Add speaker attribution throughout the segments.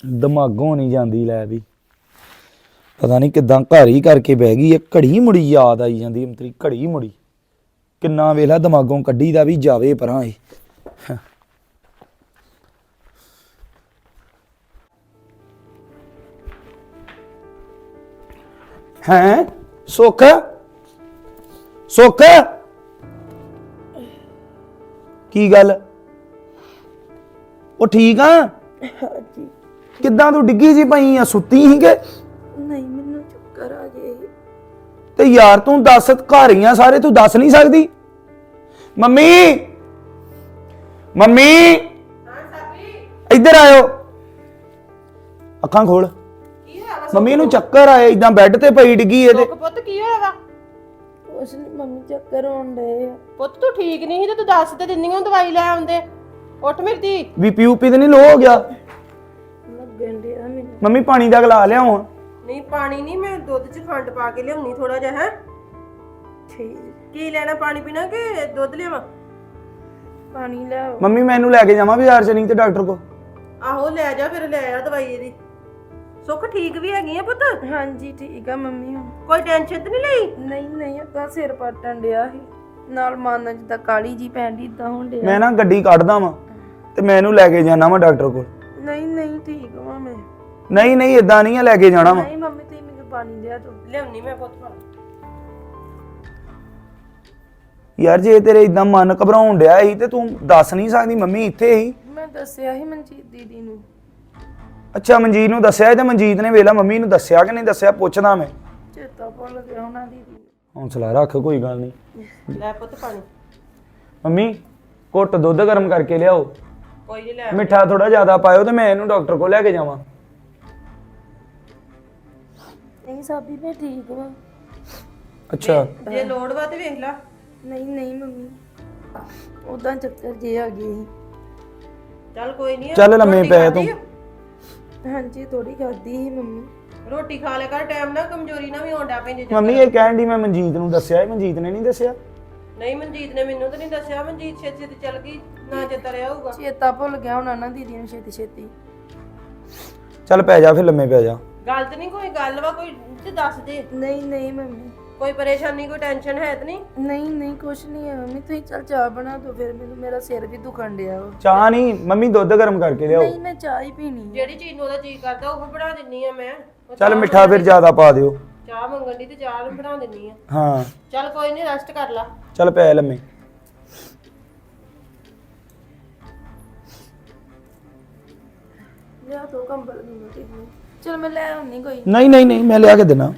Speaker 1: ਦਿਮਾਗੋਂ ਨਹੀਂ ਜਾਂਦੀ ਲੈ ਵੀ ਪਤਾ ਨਹੀਂ ਕਿਦਾਂ ਘਰ ਹੀ ਕਰਕੇ ਬਹਿ ਗਈ ਹੈ। ਘੜੀ ਮੁੜੀ ਯਾਦ ਆਈ ਜਾਂਦੀ ਅੰਤਰੀ ਘੜੀ ਮੁੜੀ ਕਿੰਨਾ ਵੇਲਾ ਦਿਮਾਗੋਂ ਕੱਢੀ ਦਾ ਵੀ ਜਾਵੇ ਪਰਾਂ ਇਹ ਹੈਂ ਸੁੱਖ ਸੁੱਖ ਕੀ ਗੱਲ ਉਹ ਠੀਕ ਆ
Speaker 2: ਹਾਂਜੀ
Speaker 1: ਕਿੱਦਾਂ ਤੂੰ ਡਿੱਗੀ ਜੀ ਪਈ ਆ ਸੁੱਤੀ ਸੀ ਕਿ
Speaker 2: ਨਹੀਂ ਮੈਨੂੰ ਚੱਕਰ ਆ ਗਏ
Speaker 1: ਤੇ ਯਾਰ ਤੂੰ ਦੱਸ ਘਰ ਹੀ ਆ ਸਾਰੇ ਤੂੰ ਦੱਸ ਨਹੀਂ ਸਕਦੀ ਮੰਮੀ ਮੰਮੀ
Speaker 3: ਹਾਂ ਸਾਬੀ
Speaker 1: ਇੱਧਰ ਆਇਓ ਅੱਖਾਂ ਖੋਲ
Speaker 3: ਕੀ ਹੋਇਆ ਵਾ
Speaker 1: ਮੰਮੀ ਨੂੰ ਚੱਕਰ ਆਏ ਇਦਾਂ ਬੈੱਡ ਤੇ ਪਈ ਡਿੱਗੀ ਇਹਦੇ
Speaker 3: ਸੁੱਖ ਪੁੱਤ ਕੀ ਹੋਇਆ ਵਾ
Speaker 2: ਉਸ ਨੇ ਮੰਮੀ ਚੱਕਰ ਆਉਣ ਡਏ ਆ
Speaker 3: ਪੁੱਤ ਤੂੰ ਠੀਕ ਨਹੀਂ ਸੀ ਤੇ ਤੂੰ ਦੱਸ ਤੇ ਦਿੰਦੀ ਹਾਂ ਦਵਾਈ ਲੈ ਆਉਂਦੇ ਉੱਠ ਮੇਰੀ ਧੀ
Speaker 1: ਬੀਪੀ ਉਪੀ ਤੇ ਨਹੀਂ ਲੋ ਹੋ ਗਿਆ
Speaker 2: ਲੱਗਣ ਡਿਆ ਮੈਨੂੰ
Speaker 1: ਮੰਮੀ ਪਾਣੀ ਦਾ ਗਲਾ ਲਿਆਓ
Speaker 3: ਨਹੀਂ ਪਾਣੀ ਨਹੀਂ ਮੈਂ ਦੁੱਧ 'ਚ ਖੰਡ ਪਾ ਕੇ ਲਿਆਉਣੀ ਥੋੜਾ ਜਿਹਾ ਹੈ
Speaker 2: ਠੀਕ
Speaker 3: ਕੀ ਲੈਣਾ ਪਾਣੀ ਪੀਣਾ ਕਿ ਦੁੱਧ ਲਿਆਵਾਂ
Speaker 2: ਪਾਣੀ ਲਿਆਓ
Speaker 1: ਮੰਮੀ ਮੈਨੂੰ ਲੈ ਕੇ ਜਾਵਾਂ ਬਾਜ਼ਾਰ ਚ ਨਹੀਂ ਤੇ ਡਾਕਟਰ ਕੋ
Speaker 3: ਆਹੋ ਲੈ ਜਾ ਫਿਰ ਲੈ ਆ ਦਵਾਈ ਇਹਦੀ ਸੁੱਖ ਠੀਕ ਵੀ ਹੈਗੀ ਆ ਪੁੱਤ
Speaker 2: ਹਾਂਜੀ ਠੀਕ ਆ ਮੰਮੀ ਹੁਣ
Speaker 3: ਕੋਈ ਟੈਨਸ਼ਨ ਤੇ ਨਹੀਂ ਲਈ
Speaker 2: ਨਹੀਂ ਨਹੀਂ ਅੱਗਾ ਸਿਰ ਪਟਣ ਡਿਆ ਸੀ ਨਾਲ ਮਨ ਜਿੱਦਾਂ ਕਾਲੀ ਜੀ ਪੈਂਦੀ ਇਦਾਂ ਹੋਣ ਡਿਆ
Speaker 1: ਮੈਂ ਨਾ ਗੱਡੀ ਕੱਢਦਾ ਵਾਂ ਤੇ ਮੈਂ ਇਹਨੂੰ ਲੈ ਕੇ ਜਾਣਾ ਵਾਂ ਡਾਕਟਰ ਕੋਲ
Speaker 2: ਨਹੀਂ ਨਹੀਂ ਠੀਕ ਹਾਂ ਮੈਂ
Speaker 1: ਨਹੀਂ ਨਹੀਂ ਇਦਾਂ ਨਹੀਂ ਆ ਲੈ ਕੇ ਜਾਣਾ ਵਾਂ
Speaker 2: ਨਹੀਂ ਮੰਮੀ ਤੁਸੀਂ ਮੈਨੂੰ ਪਾਣੀ ਲਿਆ ਦੋ
Speaker 3: ਲਿਆਉਣੀ ਮੈਂ ਪੁੱਤ ਪਾਣੀ
Speaker 1: ਯਾਰ ਜੇ ਤੇਰੇ ਇਦਾਂ ਮਨ ਘਬਰਾਉਣ ਡਿਆ ਸੀ ਤੇ ਤੂੰ ਦੱਸ ਨਹੀਂ ਸਕਦੀ ਮੰਮੀ ਇੱਥੇ ਹੀ
Speaker 2: ਮੈਂ ਦੱਸਿਆ ਸੀ ਮਨਜੀਤ ਦੀਦੀ ਨੂੰ
Speaker 1: ਅੱਛਾ ਮਨਜੀਤ ਨੂੰ ਦੱਸਿਆ ਤੇ ਮਨਜੀਤ ਨੇ ਵੇਲਾ ਮੰਮੀ ਨੂੰ ਦੱਸਿਆ ਕਿ ਨਹੀਂ ਦੱਸਿਆ ਪੁੱਛਦਾ ਮੈਂ
Speaker 2: ਚੇਤਾ ਭੁੱਲ ਗਿਆ ਉਹਨਾਂ ਦੀਦੀ ਨੂੰ
Speaker 1: ਹੌਂਸਲਾ ਰੱਖ ਕੋਈ ਗੱਲ ਨਹੀਂ
Speaker 3: ਲੈ ਪੁੱਤ ਪਾਣੀ
Speaker 1: ਮੰਮੀ ਘੁੱਟ ਦੁੱਧ ਗਰਮ ਕਰਕੇ ਲਿਆਓ
Speaker 3: ਕੋਈ ਨਹੀਂ ਲੈ
Speaker 1: ਮਿੱਠਾ ਥੋੜਾ ਜ਼ਿਆਦਾ ਪਾਇਓ ਤੇ ਮੈਂ ਇਹਨੂੰ ਡਾਕਟਰ ਕੋਲ ਲੈ ਕੇ ਜਾਵਾਂ
Speaker 2: ਨਹੀਂ ਸਾਬੀ ਮੈਂ ਠੀਕ ਹਾਂ
Speaker 1: ਅੱਛਾ
Speaker 3: ਜੇ ਲੋੜ ਵਾ ਤੇ ਵੇਖ ਲੈ
Speaker 2: ਨਹੀਂ ਨਹੀਂ ਮੰਮੀ ਉਦਾਂ ਚੱਕਰ ਜੇ ਆ ਗਏ ਸੀ
Speaker 3: ਚੱਲ ਕੋਈ ਨਹੀਂ
Speaker 1: ਚੱਲ ਲੰਮੇ ਪੈ ਤੂੰ
Speaker 2: ਹਾਂਜੀ ਥੋੜੀ ਖਾਦੀ ਸੀ ਮੰਮੀ
Speaker 3: ਰੋਟੀ ਖਾ ਲੈ ਕਰ ਟਾਈਮ ਨਾਲ ਕਮਜ਼ੋਰੀ ਨਾ ਵੀ ਆਉਂਦਾ ਪੈਂਦੇ
Speaker 1: ਮੰਮੀ ਇਹ ਕਹਿਣ ਦੀ ਮੈਂ ਮਨਜੀਤ ਨੂੰ ਦੱਸਿਆ ਇਹ ਮਨਜੀਤ ਨੇ ਨਹੀਂ ਦੱਸਿਆ
Speaker 3: ਨਹੀਂ ਮਨਜੀਤ ਨੇ ਮੈਨੂੰ ਤਾਂ ਨਹੀਂ ਦੱਸਿਆ ਮਨਜੀਤ ਛੇਤੀ ਛੇਤੀ ਚੱਲ ਗਈ ਨਾ ਚੇਤਾ ਰਿਹਾ ਹੋਊਗਾ
Speaker 2: ਚੇਤਾ ਭੁੱਲ ਗਿਆ ਹੁਣ ਨਾ ਦੀਦੀ ਨੂੰ ਛੇਤੀ ਛੇਤੀ
Speaker 1: ਚੱਲ ਪੈ ਜਾ ਫਿਰ ਲੰਮੇ ਪੈ ਜਾ
Speaker 3: ਗੱਲ ਤੇ ਨਹੀਂ ਕੋਈ ਗੱਲ ਵਾ ਕੋਈ ਤੇ ਦੱਸ ਦੇ
Speaker 2: ਨਹੀਂ ਨਹੀਂ ਮੰਮੀ
Speaker 3: ਕੋਈ ਪਰੇਸ਼ਾਨੀ ਕੋਈ ਟੈਨਸ਼ਨ ਹੈ ਤੇ ਨਹੀਂ
Speaker 2: ਨਹੀਂ ਨਹੀਂ ਕੁਛ ਨਹੀਂ ਹੈ ਮੰਮੀ ਤੁਸੀਂ ਚੱਲ ਚਾਹ ਬਣਾ ਦਿਓ ਫਿਰ ਮੈਨੂੰ ਮੇਰਾ ਸਿਰ ਵੀ ਦੁਖਣ ਡਿਆ ਵਾ
Speaker 1: ਚਾਹ ਨਹੀਂ ਮੰਮੀ ਦੁੱਧ ਗਰਮ ਕਰਕੇ ਲਿਆਓ
Speaker 2: ਨਹੀਂ ਮੈਂ ਚਾਹ ਹੀ ਪੀਣੀ ਹੈ
Speaker 3: ਜਿਹੜੀ ਚੀਜ਼ ਨੂੰ ਉਹਦਾ ਜੀ ਕਰਦਾ ਉਹ ਬਣਾ ਦਿੰਨੀ ਆ ਮੈਂ ਉਹ
Speaker 1: ਚੱਲ ਮਿੱਠਾ ਫਿਰ ਜ਼ਿਆਦਾ ਪਾ ਦਿਓ
Speaker 3: ਚਾਹ ਮੰਗਣ ਦੀ ਤੇ ਚਾਹ ਬਣਾ ਦਿੰਨੀ ਆ
Speaker 1: ਹਾਂ
Speaker 3: ਚੱਲ ਕੋਈ ਨਹੀਂ ਰੈਸਟ ਕਰ ਲਾ
Speaker 1: ਚੱਲ ਪੈ ਲੰਮੇ
Speaker 2: ਲਿਆ ਦੋ ਕੰਬਲ ਮੈਨੂੰ ਤੇ ਚਲ ਮੈਂ ਲੈ ਆਉਣੀ ਕੋਈ
Speaker 1: ਨਹੀਂ ਨਹੀਂ ਨਹੀਂ ਮੈਂ ਲਿਆ ਕੇ ਦੇਣਾ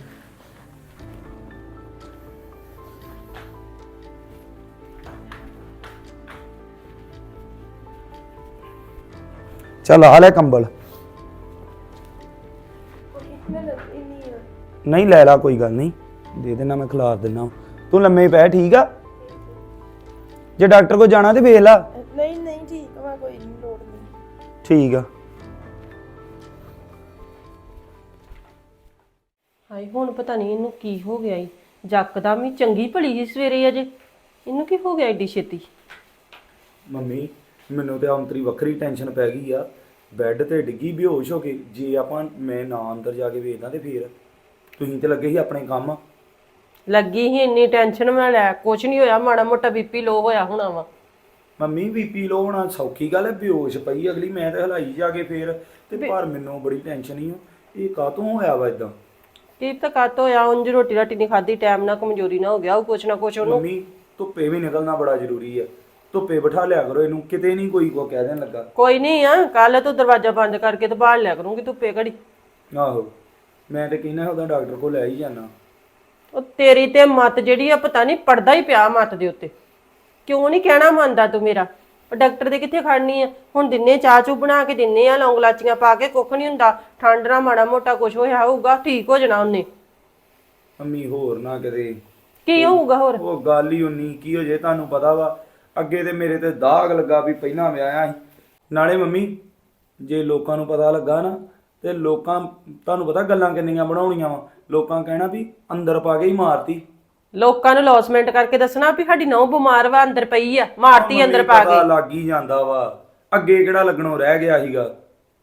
Speaker 1: ਚੱਲ ਆ ਲੈ ਕੰਬਲ
Speaker 2: ਮੈਂ ਲੱਗੀ ਨਹੀਂ ਆ
Speaker 1: ਨਹੀਂ ਲੈ ਲਾ ਕੋਈ ਗੱਲ ਨਹੀਂ ਦੇ ਦੇਣਾ ਮੈਂ ਖਿਲਾਰ ਦੇਣਾ ਤੂੰ ਲੰਮੇ ਪੈ ਠੀਕ ਆ ਜੇ ਡਾਕਟਰ ਕੋਲ ਜਾਣਾ ਤੇ ਵੇਖ ਲਾ
Speaker 2: ਨਹੀਂ ਨਹੀਂ ਠੀਕ ਵਾ ਕੋਈ ਨਹੀਂ ਲੋੜ ਨਹੀਂ
Speaker 1: ਠੀਕ ਆ
Speaker 3: ਹਾਏ ਹੁਣ ਪਤਾ ਨਹੀਂ ਇਹਨੂੰ ਕੀ ਹੋ ਗਿਆ ਈ ਜੱਕਦਮ ਹੀ ਚੰਗੀ ਭਲੀ ਸੀ ਸਵੇਰੇ ਅਜੇ ਇਹਨੂੰ ਕੀ ਹੋ ਗਿਆ ਏਡੀ ਛੇਤੀ
Speaker 1: ਮੰਮੀ ਮੈਨੂੰ ਤੇ ਅੰਤਰੀ ਵੱਖਰੀ ਟੈਨਸ਼ਨ ਪੈ ਗਈ ਆ ਬੈੱਡ ਤੇ ਡਿੱਗੀ ਬੇਹੋਸ਼ ਹੋ ਕੇ ਜੇ ਆਪਾਂ ਮੈਂ ਨਾ ਅੰਦਰ ਜਾ ਕੇ ਵੇਖਦਾ ਤੇ ਫੇਰ ਤੁਸੀਂ ਤੇ ਲੱਗੇ ਸੀ ਆਪਣੇ ਕੰਮ
Speaker 3: ਲੱਗੀ ਹੀ ਇੰਨੀ ਟੈਨਸ਼ਨ ਮੈਂ ਲੈ ਕੁਛ ਨਹੀਂ ਹੋਇਆ ਮਾੜਾ ਮੋਟਾ ਬੀਪੀ ਲੋ ਹੋਇਆ ਹੋਣਾ ਵਾ
Speaker 1: ਮੰਮੀ ਬੀਪੀ ਲੋ ਹੋਣਾ ਸੌਖੀ ਗੱਲ ਹੈ ਬੇਹੋਸ਼ ਪਈ ਅਗਲੀ ਮੈਂ ਤੇ ਹਲਾਈ ਜਾ ਕੇ ਫੇਰ ਤੇ ਪਰ ਮੈਨੂੰ ਬੜੀ ਟੈਨਸ਼ਨ ਹੀ ਇਹ ਕਾਹਤੋਂ ਹੋਇਆ ਵਾ ਇਦਾਂ
Speaker 3: ਕੀ ਤਾਂ ਕੱਟ ਹੋਇਆ ਉਂਝ ਰੋਟੀ ਰਾਟੀ ਨਹੀਂ ਖਾਧੀ ਟਾਈਮ ਨਾਲ ਕਮਜ਼ੋਰੀ ਨਾ ਹੋ ਗਿਆ ਉਹ ਕੁਛ ਨਾ ਕੁਛ ਉਹਨੂੰ
Speaker 1: ਮੰਮੀ ਧੁੱਪੇ ਵੀ ਨਿਕਲਣਾ ਬੜਾ ਜ਼ਰੂਰੀ ਹੈ ਧੁੱਪੇ ਬਿਠਾ ਲਿਆ ਕਰੋ ਇਹਨੂੰ ਕਿਤੇ ਨਹੀਂ ਕੋਈ ਕੋ ਕਹਿ ਦੇਣ ਲੱਗਾ
Speaker 3: ਕੋਈ ਨਹੀਂ ਆ ਕੱਲ ਤੂੰ ਦਰਵਾਜ਼ਾ ਬੰਦ ਕਰਕੇ ਤੇ ਬਾਹਰ ਲਿਆ ਕਰੂੰਗੀ ਧੁੱਪੇ ਘੜੀ
Speaker 1: ਆਹੋ ਮੈਂ ਤੇ ਕਹਿੰਦਾ ਉਹਦਾ ਡਾਕਟਰ ਕੋਲ ਲੈ ਹੀ ਜਾਣਾ
Speaker 3: ਉਹ ਤੇਰੀ ਤੇ ਮੱਤ ਜਿਹੜੀ ਆ ਪਤਾ ਨਹੀਂ ਪੜਦਾ ਹੀ ਪਿਆ ਮੱਤ ਦੇ ਉੱਤੇ ਕਿਉਂ ਨਹੀਂ ਕਹਿਣਾ ਮੰਨਦਾ ਤੂੰ ਮੇਰਾ ਉਹ ਡਾਕਟਰ ਦੇ ਕਿੱਥੇ ਖੜਨੀ ਆ ਹੁਣ ਦਿਨੇ ਚਾਹ ਚੂ ਬਣਾ ਕੇ ਦਿੰਨੇ ਆ ਲੌਂਗ ਲਾਚੀਆਂ ਪਾ ਕੇ ਕੁੱਖ ਨਹੀਂ ਹੁੰਦਾ ਠੰਡ ਨਾਲ ਮਾੜਾ ਮੋਟਾ ਕੁਝ ਹੋਇਆ ਹੋਊਗਾ ਠੀਕ ਹੋ ਜਾਣਾ ਉਹਨੇ
Speaker 1: ਮੰਮੀ ਹੋਰ ਨਾ ਕਦੇ
Speaker 3: ਕੀ ਹੋਊਗਾ ਹੋਰ
Speaker 1: ਉਹ ਗੱਲ ਹੀ ਉਨੀ ਕੀ ਹੋ ਜੇ ਤੁਹਾਨੂੰ ਪਤਾ ਵਾ ਅੱਗੇ ਤੇ ਮੇਰੇ ਤੇ ਦਾਗ ਲੱਗਾ ਵੀ ਪਹਿਲਾਂ ਵਿਆਹਿਆ ਸੀ ਨਾਲੇ ਮੰਮੀ ਜੇ ਲੋਕਾਂ ਨੂੰ ਪਤਾ ਲੱਗਾ ਨਾ ਤੇ ਲੋਕਾਂ ਤੁਹਾਨੂੰ ਪਤਾ ਗੱਲਾਂ ਕਿੰਨੀਆਂ ਬਣਾਉਣੀਆਂ ਵਾ ਲੋਕਾਂ ਕਹਿਣਾ ਵੀ ਅੰਦਰ ਪਾ ਕੇ ਹੀ ਮਾਰਤੀ
Speaker 3: ਲੋਕਾਂ ਨੂੰ ਲੌਸਮੈਂਟ ਕਰਕੇ ਦੱਸਣਾ ਵੀ ਸਾਡੀ ਨਹੁੰ ਬਿਮਾਰ ਵਾ ਅੰਦਰ ਪਈ ਆ ਮਾਰਤੀ ਅੰਦਰ ਪਾ
Speaker 1: ਪਤਾ
Speaker 3: ਕੇ
Speaker 1: ਲੱਗ ਹੀ ਜਾਂਦਾ ਵਾ ਅੱਗੇ ਕਿਹੜਾ ਲੱਗਣੋਂ ਰਹਿ ਗਿਆ ਸੀਗਾ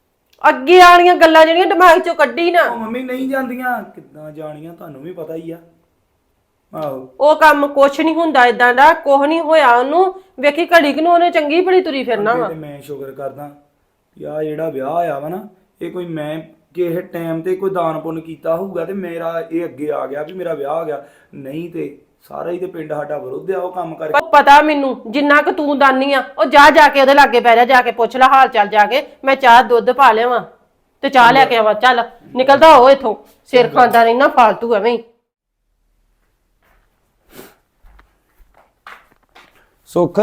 Speaker 3: ਅੱਗੇ ਵਾਲੀਆਂ ਗੱਲਾਂ ਜਿਹੜੀਆਂ ਦਿਮਾਗ ਚੋਂ ਕੱਢੀ ਨਾ,
Speaker 1: ਉਹ ਮੰਮੀ ਨਹੀਂ ਜਾਂਦੀਆਂ ਕਿੱਦਾਂ ਜਾਣੀਆਂ ਤੁਹਾਨੂੰ ਵੀ ਪਤਾ ਹੀ ਆ। ਆਹੋ
Speaker 3: ਉਹ ਕੰਮ ਕੁਛ ਨਹੀਂ ਹੁੰਦਾ ਇਦਾਂ ਦਾ, ਕੁਛ ਨਹੀਂ ਹੋਇਆ ਉਹਨੂੰ। ਵੇਖੀ ਘੜੀ ਕਿ ਨੂੰ ਉਹਨੇ ਚੰਗੀ ਭਲੀ ਤੁਰੀ ਫਿਰਨਾ ਵਾ।
Speaker 1: ਤੇ ਮੈਂ ਸ਼ੁਕਰ ਕਰਦਾ ਕਿ ਆ ਜਿਹੜਾ ਵਿਆਹ ਹੋਇਆ ਵਾ ਨਾ, ਇਹ ਕੋਈ ਮੈਂ ਕਿਸੇ ਟਾਈਮ ਤੇ ਕੋਈ ਦਾਨ ਪੁੰਨ ਕੀਤਾ ਹੋਊਗਾ ਤੇ ਮੇਰਾ ਇਹ ਅੱਗੇ ਆ ਗਿਆ ਵੀ ਮੇਰਾ ਵਿਆਹ ਹੋ ਗਿਆ। ਨਹੀਂ ਤੇ ਸਾਰਾ ਹੀ ਤੇ ਪਿੰਡ ਸਾਡਾ ਵਿਰੁੱਧ ਆ ਉਹ ਕੰਮ ਕਰਕੇ।
Speaker 3: ਪਰ ਪਤਾ ਮੈਨੂੰ ਜਿੰਨਾ ਕੁ ਤੂੰ ਦਾਨੀ ਆ, ਉਹ ਜਾ ਕੇ ਉਹਦੇ ਲਾਗੇ ਪੈ ਜਾ ਕੇ ਪੁੱਛ ਲੈ ਹਾਲ ਚਾਲ ਜਾ ਕੇ। ਮੈਂ ਚਾਹ ਦੁੱਧ ਪਾ ਲਿਆਵਾਂ ਤੇ ਚਾਹ ਲੈ ਕੇ ਆਵਾਂ। ਚੱਲ ਨਿਕਲਦਾ ਹੋ ਇਥੋਂ, ਸਿਰ ਖਾਂਦਾ ਰਹਿਣਾ ਫਾਲਤੂ ਐਵੇਂ ਹੀ।
Speaker 1: ਸੁੱਖ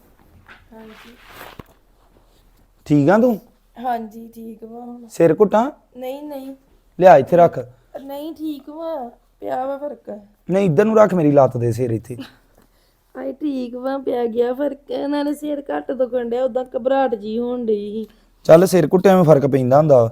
Speaker 1: ਠੀਕ ਆ ਤੂੰ?
Speaker 2: ਹਾਂਜੀ ਠੀਕ ਵਾ ਹੁਣ।
Speaker 1: ਸਿਰ ਘੁੱਟਾਂ?
Speaker 2: ਨਹੀਂ ਨਹੀਂ
Speaker 1: ਲਿਆ ਇੱਥੇ ਰੱਖ।
Speaker 2: ਨਹੀਂ ਠੀਕ ਵਾ, ਪਿਆ ਵਾ ਫਰਕ।
Speaker 1: ਨਹੀਂ ਇੱਧਰ ਨੂੰ ਰੱਖ, ਮੇਰੀ ਲੱਤ ਦੇ ਸਿਰ ਇੱਥੇ।
Speaker 2: ਆਈ ਠੀਕ ਵਾ, ਪਿਆ ਗਿਆ ਫਰਕ। ਨਾਲੇ ਸਿਰ ਘੱਟ ਦੁਖਣ ਡਿਆ, ਉਦਾਂ ਘਬਰਾਹਟ ਜੀ ਹੋਣ ਡਈ ਸੀ।
Speaker 1: ਚੱਲ ਸਿਰ ਘੁੱਟਿਆਂ ਵਿੱਚ ਫਰਕ ਪੈਂਦਾ ਹੁੰਦਾ।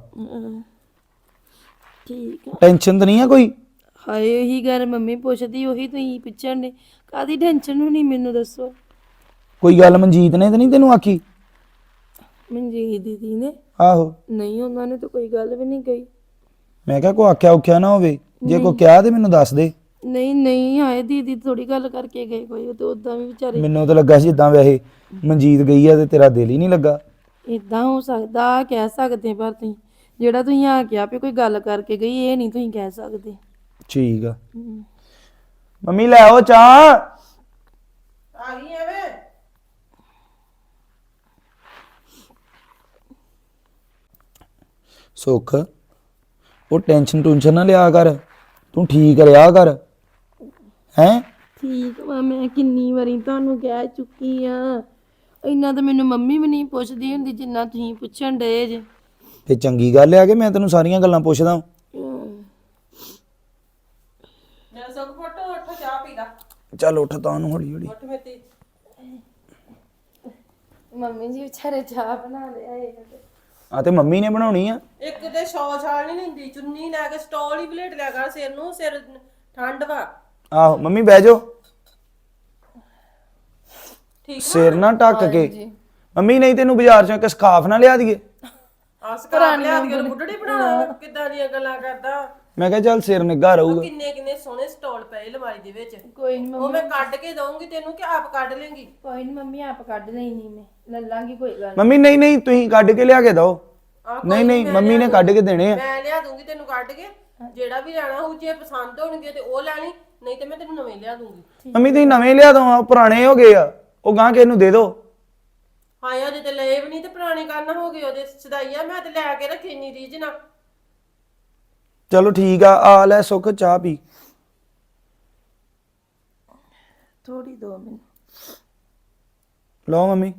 Speaker 2: ਠੀਕ ਆ।
Speaker 1: ਟੈਨਸ਼ਨ ਤਾਂ ਨਹੀਂ ਆ ਕੋਈ?
Speaker 2: ਹਾਏ ਉਹੀ ਗੱਲ ਮੰਮੀ ਪੁੱਛਦੀ, ਉਹੀ ਤੁਸੀਂ ਪੁੱਛਣ ਦੇ। ਕਾਦੀ ਟੈਨਸ਼ਨ ਹੋਣੀ ਮੈਨੂੰ ਦੱਸੋ?
Speaker 1: ਕੋਈ ਗੱਲ ਮਨਜੀਤ ਨੇ ਤਾਂ ਨਹੀਂ ਤੈਨੂੰ ਆਖੀ?
Speaker 2: ਮਨਜੀਤ ਦੀਦੀ ਨੇ?
Speaker 1: ਆਹੋ।
Speaker 2: ਨਹੀਂ ਉਹਨਾਂ ਨੇ ਤਾਂ ਕੋਈ ਗੱਲ ਵੀ ਨਹੀਂ ਕਹੀ।
Speaker 1: ਮੈਂ ਕਿਹਾ ਕੋ ਆਖਿਆ ਉਖਿਆ ਨਾ ਹੋਵੇ, ਜੇ ਕੋ ਕਿਹਾ ਤੇ ਮੈਨੂੰ ਦੱਸ ਦੇ।
Speaker 2: ਨਹੀਂ ਨਹੀਂ ਹਾਏ ਦੀਦੀ ਥੋੜੀ ਗੱਲ ਕਰਕੇ ਗਏ ਕੋਈ, ਉਹ ਤੇ ਉਦਾਂ ਵੀ ਵਿਚਾਰੇ।
Speaker 1: ਮੈਨੂੰ ਤਾਂ ਲੱਗਾ ਸੀ ਜਿੱਦਾਂ ਵੈਸੇ ਮਨਜੀਤ ਗਈ ਆ ਤੇ ਤੇਰਾ ਦਿਲ ਹੀ ਨਹੀਂ ਲੱਗਾ।
Speaker 2: ਇਦਾਂ ਹੋ ਸਕਦਾ, ਕਹਿ ਸਕਦੇ ਪਰ ਤੁਸੀਂ ਜਿਹੜਾ ਤੁਸੀਂ ਆ ਕਿਹਾ ਵੀ ਕੋਈ ਗੱਲ ਕਰਕੇ ਗਈ, ਇਹ ਨਹੀਂ ਤੁਸੀਂ ਕਹਿ ਸਕਦੇ।
Speaker 1: ਠੀਕ ਆ। ਮੰਮੀ ਲੈ ਆਓ ਚਾਹ।
Speaker 3: ਆ ਗਈ ਐਵੇਂ
Speaker 1: ਸੁੱਖ ਉਹ ਟੈਨਸ਼ਨ ਨਾ ਲਿਆ ਕਰ, ਤੂੰ ਠੀਕ ਰਿਹਾ ਕਰ। ਹੈਂ
Speaker 2: ਠੀਕ ਵਾ, ਮੈਂ ਕਿੰਨੀ ਵਾਰੀ ਤੁਹਾਨੂੰ ਕਹਿ ਚੁੱਕੀ ਆ। ਇੰਨਾ ਤਾਂ ਮੈਨੂੰ ਮੰਮੀ ਵੀ ਨਹੀਂ ਪੁੱਛਦੀ ਹੁੰਦੀ ਜਿੰਨਾ ਤੁਸੀਂ ਪੁੱਛਣ ਡਏ ਜੇ।
Speaker 1: ਤੇ ਚੰਗੀ ਗੱਲ ਆ ਕਿ ਮੈਂ ਤੈਨੂੰ ਸਾਰੀਆਂ ਗੱਲਾਂ ਪੁੱਛਦਾ।
Speaker 3: ਜਦ ਸੁੱਖ ਫੋਟੋ ਉੱਠ ਚਾਹ ਪੀ ਲਾ।
Speaker 1: ਚੱਲ ਉੱਠ ਤਾਂ ਨੂੰ ਹੌਲੀ ਹੌਲੀ।
Speaker 3: ਉੱਠ ਮੇਤੀ।
Speaker 2: ਮੰਮੀ ਜੀ ਵਿਚਾਰੇ ਚਾਹ ਬਣਾ ਲਿਆ ਇਹ।
Speaker 1: ਆ ਤੇ ਮੰਮੀ ਨੇ ਬਣਾਉਣੀ ਆ।
Speaker 3: ਇੱਕ ਤੇ ਛਾਲ ਨਹੀਂ ਲੈਂਦੀ, ਚੁੰਨੀ ਲੈ ਕੇ ਸਟੋਲ ਹੀ ਬਲੇਟ ਲਿਆ ਕਰ ਸਿਰ ਨੂੰ, ਸਿਰ ਠੰਡ ਵਾ।
Speaker 1: ਆਹੋ ਮੰਮੀ ਬਹਿ ਜਾਓ।
Speaker 3: ਠੀਕ
Speaker 1: ਸਿਰ ਨਾ ਢੱਕ ਕੇ। ਮੰਮੀ ਨਹੀਂ ਤੈਨੂੰ ਬਾਜ਼ਾਰ ਚੋਂ ਇੱਕ ਸਕਾਫ ਨਾ ਲਿਆ ਦਈਏ?
Speaker 3: ਆਸ ਕਰਾ ਲਿਆ ਦੀ ਬੁੱਢੜੀ ਬਣਾਉਣਾ, ਕਿੱਦਾਂ ਦੀਆਂ ਗੱਲਾਂ ਕਰਦਾ।
Speaker 1: ਮੈਂ ਕਿਹਾ ਚੱਲ ਸਿਰ ਨਿੱਘਾ ਰਹੂਗਾ।
Speaker 3: ਕਿੰਨੇ ਕਿੰਨੇ ਸੋਹਣੇ ਸਟਾਲ ਪਏ ਅਲਮਾਰੀ ਦੇ ਵਿੱਚ।
Speaker 2: ਕੋਈ ਨਹੀਂ
Speaker 3: ਉਹ ਮੈਂ ਕੱਢ ਕੇ ਦਊਂਗੀ ਤੈਨੂੰ ਕਿ ਆਪ ਕੱਢ ਲੇਂਗੀ?
Speaker 2: ਕੋਈ ਨਹੀਂ ਮੰਮੀ ਆਪ ਕੱਢ ਲੈਣੀ, ਮੈਂ ਲੈ ਲਾਂਗੀ ਕੋਈ ਗੱਲ
Speaker 1: ਮੰਮੀ ਨਹੀਂ ਤੁਸੀਂ ਕੱਢ ਕੇ ਲਿਆ ਕੇ ਦਿਓ। ਨਹੀਂ ਮੰਮੀ ਨੇ ਕੱਢ ਕੇ ਦੇਣੇ ਆ।
Speaker 3: ਮੈਂ ਲਿਆ ਦੂੰਗੀ ਤੈਨੂੰ ਕੱਢ ਕੇ, ਜਿਹੜਾ ਵੀ ਲੈਣਾ ਹੋਊ। ਜੇ ਪਸੰਦ ਹੋਣਗੇ ਤੇ ਉਹ ਲੈ ਲਈ, ਨਹੀਂ ਤੇ ਮੈਂ ਤੈਨੂੰ ਨਵੇਂ ਲਿਆ ਦੂੰਗੀ।
Speaker 1: ਮੰਮੀ ਤੁਸੀਂ ਨਵੇਂ ਲਿਆ ਦੋ, ਪੁਰਾਣੇ ਹੋ ਗਏ ਆ, ਉਹ ਗਾਂ ਕੇ ਇਹਨੂੰ ਦੇ ਦਿਓ।
Speaker 3: ਹਾਂ ਅਜੇ ਤੇ ਲਏ ਵੀ ਨਹੀਂ ਤੇ ਪੁਰਾਣੇ ਕਰਨਾ ਹੋ ਗਏ ਉਹਦੇ ਸਦਾਈਆ। ਮੈਂ ਤੇ ਲੈ ਕੇ ਰੱਖੀ ਨਹੀਂ ਰੀਝ ਨਾ।
Speaker 1: ਚਲੋ ਠੀਕ ਆ ਲੈ ਸੁੱਖ ਚਾਹ ਪੀ।
Speaker 2: ਥੋੜੀ ਦੋ ਮੈਨੂੰ।
Speaker 1: ਲਓ ਮੰਮੀ।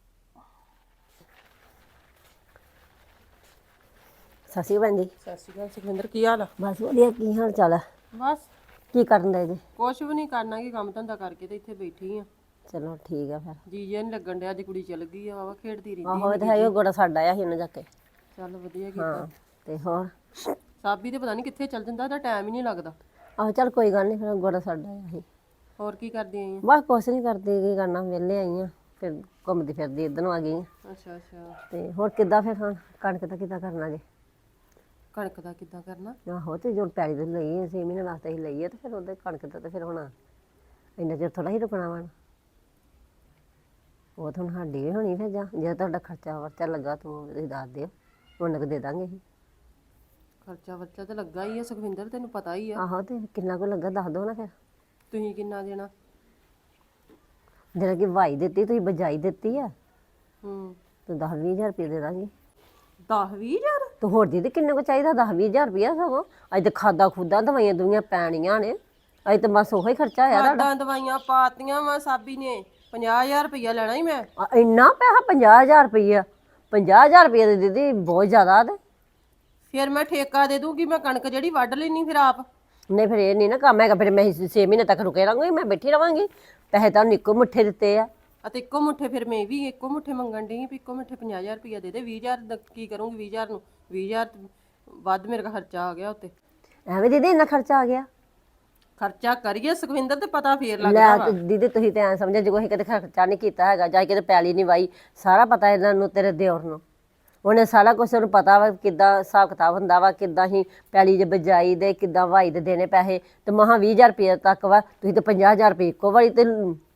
Speaker 4: ਸਤਿ ਸ਼੍ਰੀ ਅਕਾਲ ਜੀ।
Speaker 3: ਸਤਿ ਸ਼੍ਰੀ ਅਕਾਲ ਸੁਖਵਿੰਦਰ, ਕੀ ਹਾਲ ਆ?
Speaker 4: ਬਸ ਵਧੀਆ, ਕੀ ਹਾਲ ਚਾਲ ਹੈ?
Speaker 3: ਬਸ
Speaker 4: ਕੀ ਕਰਨ ਦੇ ਜੀ?
Speaker 3: ਕੁਛ ਵੀ ਨਹੀਂ ਕਰਨਾ, ਕੀ ਕੰਮ ਧੰਦਾ ਕਰਕੇ ਤੇ ਇੱਥੇ ਬੈਠੀ ਆ।
Speaker 4: ਚਲੋ ਠੀਕ ਆ ਫਿਰ।
Speaker 3: ਜੀ ਜੇ ਨਹੀਂ ਲੱਗਣ ਡਿਆ, ਅੱਜ ਕੁੜੀ ਚਲ ਗਈ ਆ, ਵਾਵਾ ਖੇਡਦੀ ਰਹਿੰਦੀ।
Speaker 4: ਆਹੋ ਇਹ ਤਾਂ ਹੈ, ਉਹ ਗੋੜਾ ਸਾਡਾ ਆਇਆ ਸੀ ਉਹਨਾਂ ਜਾ ਕੇ।
Speaker 3: ਚੱਲ ਵਧੀਆ ਕੀਤਾ।
Speaker 4: ਹਾਂ ਤੇ ਹੋਰ?
Speaker 3: ਸਾਬੀ ਤੇ ਪਤਾ ਨਹੀਂ ਕਿੱਥੇ ਚੱਲ ਜਾਂਦਾ, ਉਹਦਾ ਟਾਈਮ ਹੀ ਨਹੀਂ ਲੱਗਦਾ।
Speaker 4: ਆਹੋ ਚੱਲ ਕੋਈ ਗੱਲ ਨਹੀਂ, ਫਿਰ ਗੋੜਾ ਸਾਡਾ ਆਇਆ ਸੀ।
Speaker 3: ਹੋਰ ਕੀ ਕਰਦੀ ਆਈ ਆ?
Speaker 4: ਬਸ ਕੁਛ ਨਹੀਂ ਕਰਦੀ, ਕੀ ਕਰਨਾ, ਵਿਹਲੇ ਆਈ ਆ, ਫਿਰ ਘੁੰਮਦੀ ਫਿਰਦੀ ਇੱਧਰ ਨੂੰ ਆ ਗਈ ਆ।
Speaker 3: ਅੱਛਾ ਅੱਛਾ।
Speaker 4: ਤੇ ਹੋਰ ਕਿੱਦਾਂ ਫਿਰ ਹੁਣ ਕਣਕ ਦਾ ਕਿੱਦਾਂ ਕਰਨਾ ਜੇ?
Speaker 3: ਕਣਕ ਦਾ ਕਿੱਦਾਂ ਕਰਨਾ?
Speaker 4: ਆਹੋ ਤੇ ਜੋ ਪੈਲੀ ਦੇ ਲਈ 6 ਮਹੀਨੇ ਵਾਸਤੇ ਹੀ ਲਈ ਆ, ਤੇ ਫਿਰ ਉਹਦੇ ਕਣਕ ਦਾ ਤੇ ਫਿਰ ਹੁਣ ਇੰਨਾ ਚਿਰ ਥੋੜਾ ਹੀ ਰੁਕਣਾ ਵਾ। ਉਹ ਤਾਂ ਹੁਣ ਸਾਡੀ ਵੀ ਹੋਣੀ ਫਿਰ, ਜਾਂ ਜੇ ਤੁਹਾਡਾ ਖਰਚਾ ਵਰਚਾ ਲੱਗਾ ਤੂੰ ਤੁਸੀਂ ਦੱਸ ਦਿਓ, ਉਹਨਾਂ ਕੁ ਦੇ ਦਾਂਗੇ ਅਸੀਂ।
Speaker 3: ਖਰਚਾ ਵਰਚਾ ਤੇ ਲੱਗਾ ਹੀ ਆ ਸੁਖਵਿੰਦਰ, ਤੈਨੂੰ ਪਤਾ ਹੀ ਆ।
Speaker 4: ਆਹੋ ਤੇ ਕਿੰਨਾ ਕੁ ਲੱਗਾ ਦੱਸ ਦਿਓ ਨਾ ਫਿਰ।
Speaker 3: ਤੁਸੀਂ ਕਿੰਨਾ ਦੇਣਾ?
Speaker 4: ਜਿਹੜਾ ਕਿ ਵਾਈ ਦਿੱਤੀ ਤੁਸੀਂ ਬਜਾਈ ਦਿੱਤੀ ਆ,
Speaker 3: ਹੂੰ
Speaker 4: ਤੇ 10-20 ਹਜ਼ਾਰ ਰੁਪਏ ਦੇ ਦਾਂਗੇ।
Speaker 3: 10-20 ਹਜ਼ਾਰ?
Speaker 4: ਤੇ ਹੋਰ ਦੀਦੀ ਕਿੰਨੇ ਕੁ ਚਾਹੀਦਾ? 10-20 ਹਜ਼ਾਰ ਰੁਪਇਆ ਸਗੋਂ ਅੱਜ ਤੇ ਖਾਦਾ ਖੁਦਾ ਦਵਾਈਆਂ ਦੁਈਆਂ ਪੈਣੀਆਂ ਨੇ, ਅੱਜ ਤੇ ਬਸ ਉਹੀ ਖਰਚਾ ਹੋਇਆ ਤੁਹਾਡਾ।
Speaker 3: ਖਾਦਾਂ ਦਵਾਈਆਂ ਪਾਤੀਆਂ ਵਾ ਸਾਬੀ ਨੇ, 50,000 ਰੁਪਇਆ ਲੈਣਾ ਹੀ ਮੈਂ।
Speaker 4: ਇੰਨਾ ਪੈਸਾ? 50,000 ਰੁਪਇਆ? 50,000 ਰੁਪਇਆ ਤੇ ਦੀਦੀ ਬਹੁਤ ਜ਼ਿਆਦਾ। ਤੇ
Speaker 3: ਫਿਰ ਮੈਂ ਠੇਕਾ ਦੇ ਦੂੰਗੀ, ਮੈਂ ਕਣਕ ਜਿਹੜੀ ਵੱਢ ਲੈਣੀ ਫਿਰ ਆਪ।
Speaker 4: ਨਹੀਂ ਫਿਰ ਇਹ ਨਹੀਂ ਨਾ ਕੰਮ ਹੈਗਾ, ਫਿਰ ਮੈਂ 6 ਮਹੀਨੇ ਤੱਕ ਰੁਕੇ ਰਹਾਂਗੀ, ਮੈਂ ਬੈਠੀ ਰਵਾਂਗੀ। ਪੈਸੇ ਤਾਂ ਇੱਕੋ ਮੁੱਠੇ ਦਿੱਤੇ ਆ।
Speaker 3: ਅਤੇ ਇੱਕੋ ਮੁੱਠੇ ਫਿਰ ਮੈਂ ਵੀ ਇੱਕੋ ਮੁੱਠੇ ਮੰਗਣ ਡਈ ਵੀ ਇੱਕੋ ਮੁੱਠੇ 50,000 ਰੁਪਇਆ ਦੇ ਦੇ। 20,000 ਦਾ ਕੀ ਕਰੂੰਗੀ? 20,000 ਨੂੰ 20,000 ਵੱਧ ਮੇਰੇ ਕੋਲ ਖਰਚਾ ਆ ਗਿਆ ਉੱਤੇ।
Speaker 4: ਐਵੇਂ ਦੀਦੀ ਇੰਨਾ ਖਰਚਾ ਆ ਗਿਆ?
Speaker 3: ਖਰਚਾ ਕਰੀਏ ਸੁਖਵਿੰਦਰ ਤੇ ਪਤਾ ਫੇਰ ਲੱਗਦਾ
Speaker 4: ਲੈ
Speaker 3: ਵਾ।
Speaker 4: ਤੇ ਦੀਦੀ ਤੁਸੀਂ ਤੇ ਐਂ ਸਮਝਿਆ ਜੇ ਕੋਈ ਕਦੇ ਖਰਚਾ ਨਹੀਂ ਕੀਤਾ ਹੈਗਾ, ਜਾਂ ਕਿਤੇ ਪੈਲੀ ਨਹੀਂ ਵਾਈ, ਸਾਰਾ ਪਤਾ ਇਹਨਾਂ ਨੂੰ, ਤੇਰੇ ਦਿਓਰ ਨੂੰ। ਉਹਨੇ ਸਾਰਾ ਕੁਝ ਉਹਨੂੰ ਪਤਾ ਵਾ ਕਿੱਦਾਂ ਹਿਸਾਬ ਕਿਤਾਬ ਹੁੰਦਾ ਵਾ, ਕਿੱਦਾਂ ਹੀ ਪੈਲੀ ਦੇ ਬਜਾਈ ਦੇ, ਕਿੱਦਾਂ ਵਾਈ ਦੇ ਦੇਣੇ ਪੈਸੇ। ਤੇ ਮਹਾ 20,000 ਰੁਪਏ ਤੱਕ ਵਾ, ਤੁਸੀਂ ਤੇ 50,000 ਰੁਪਏ ਇੱਕੋ ਵਾਰੀ ਤੇ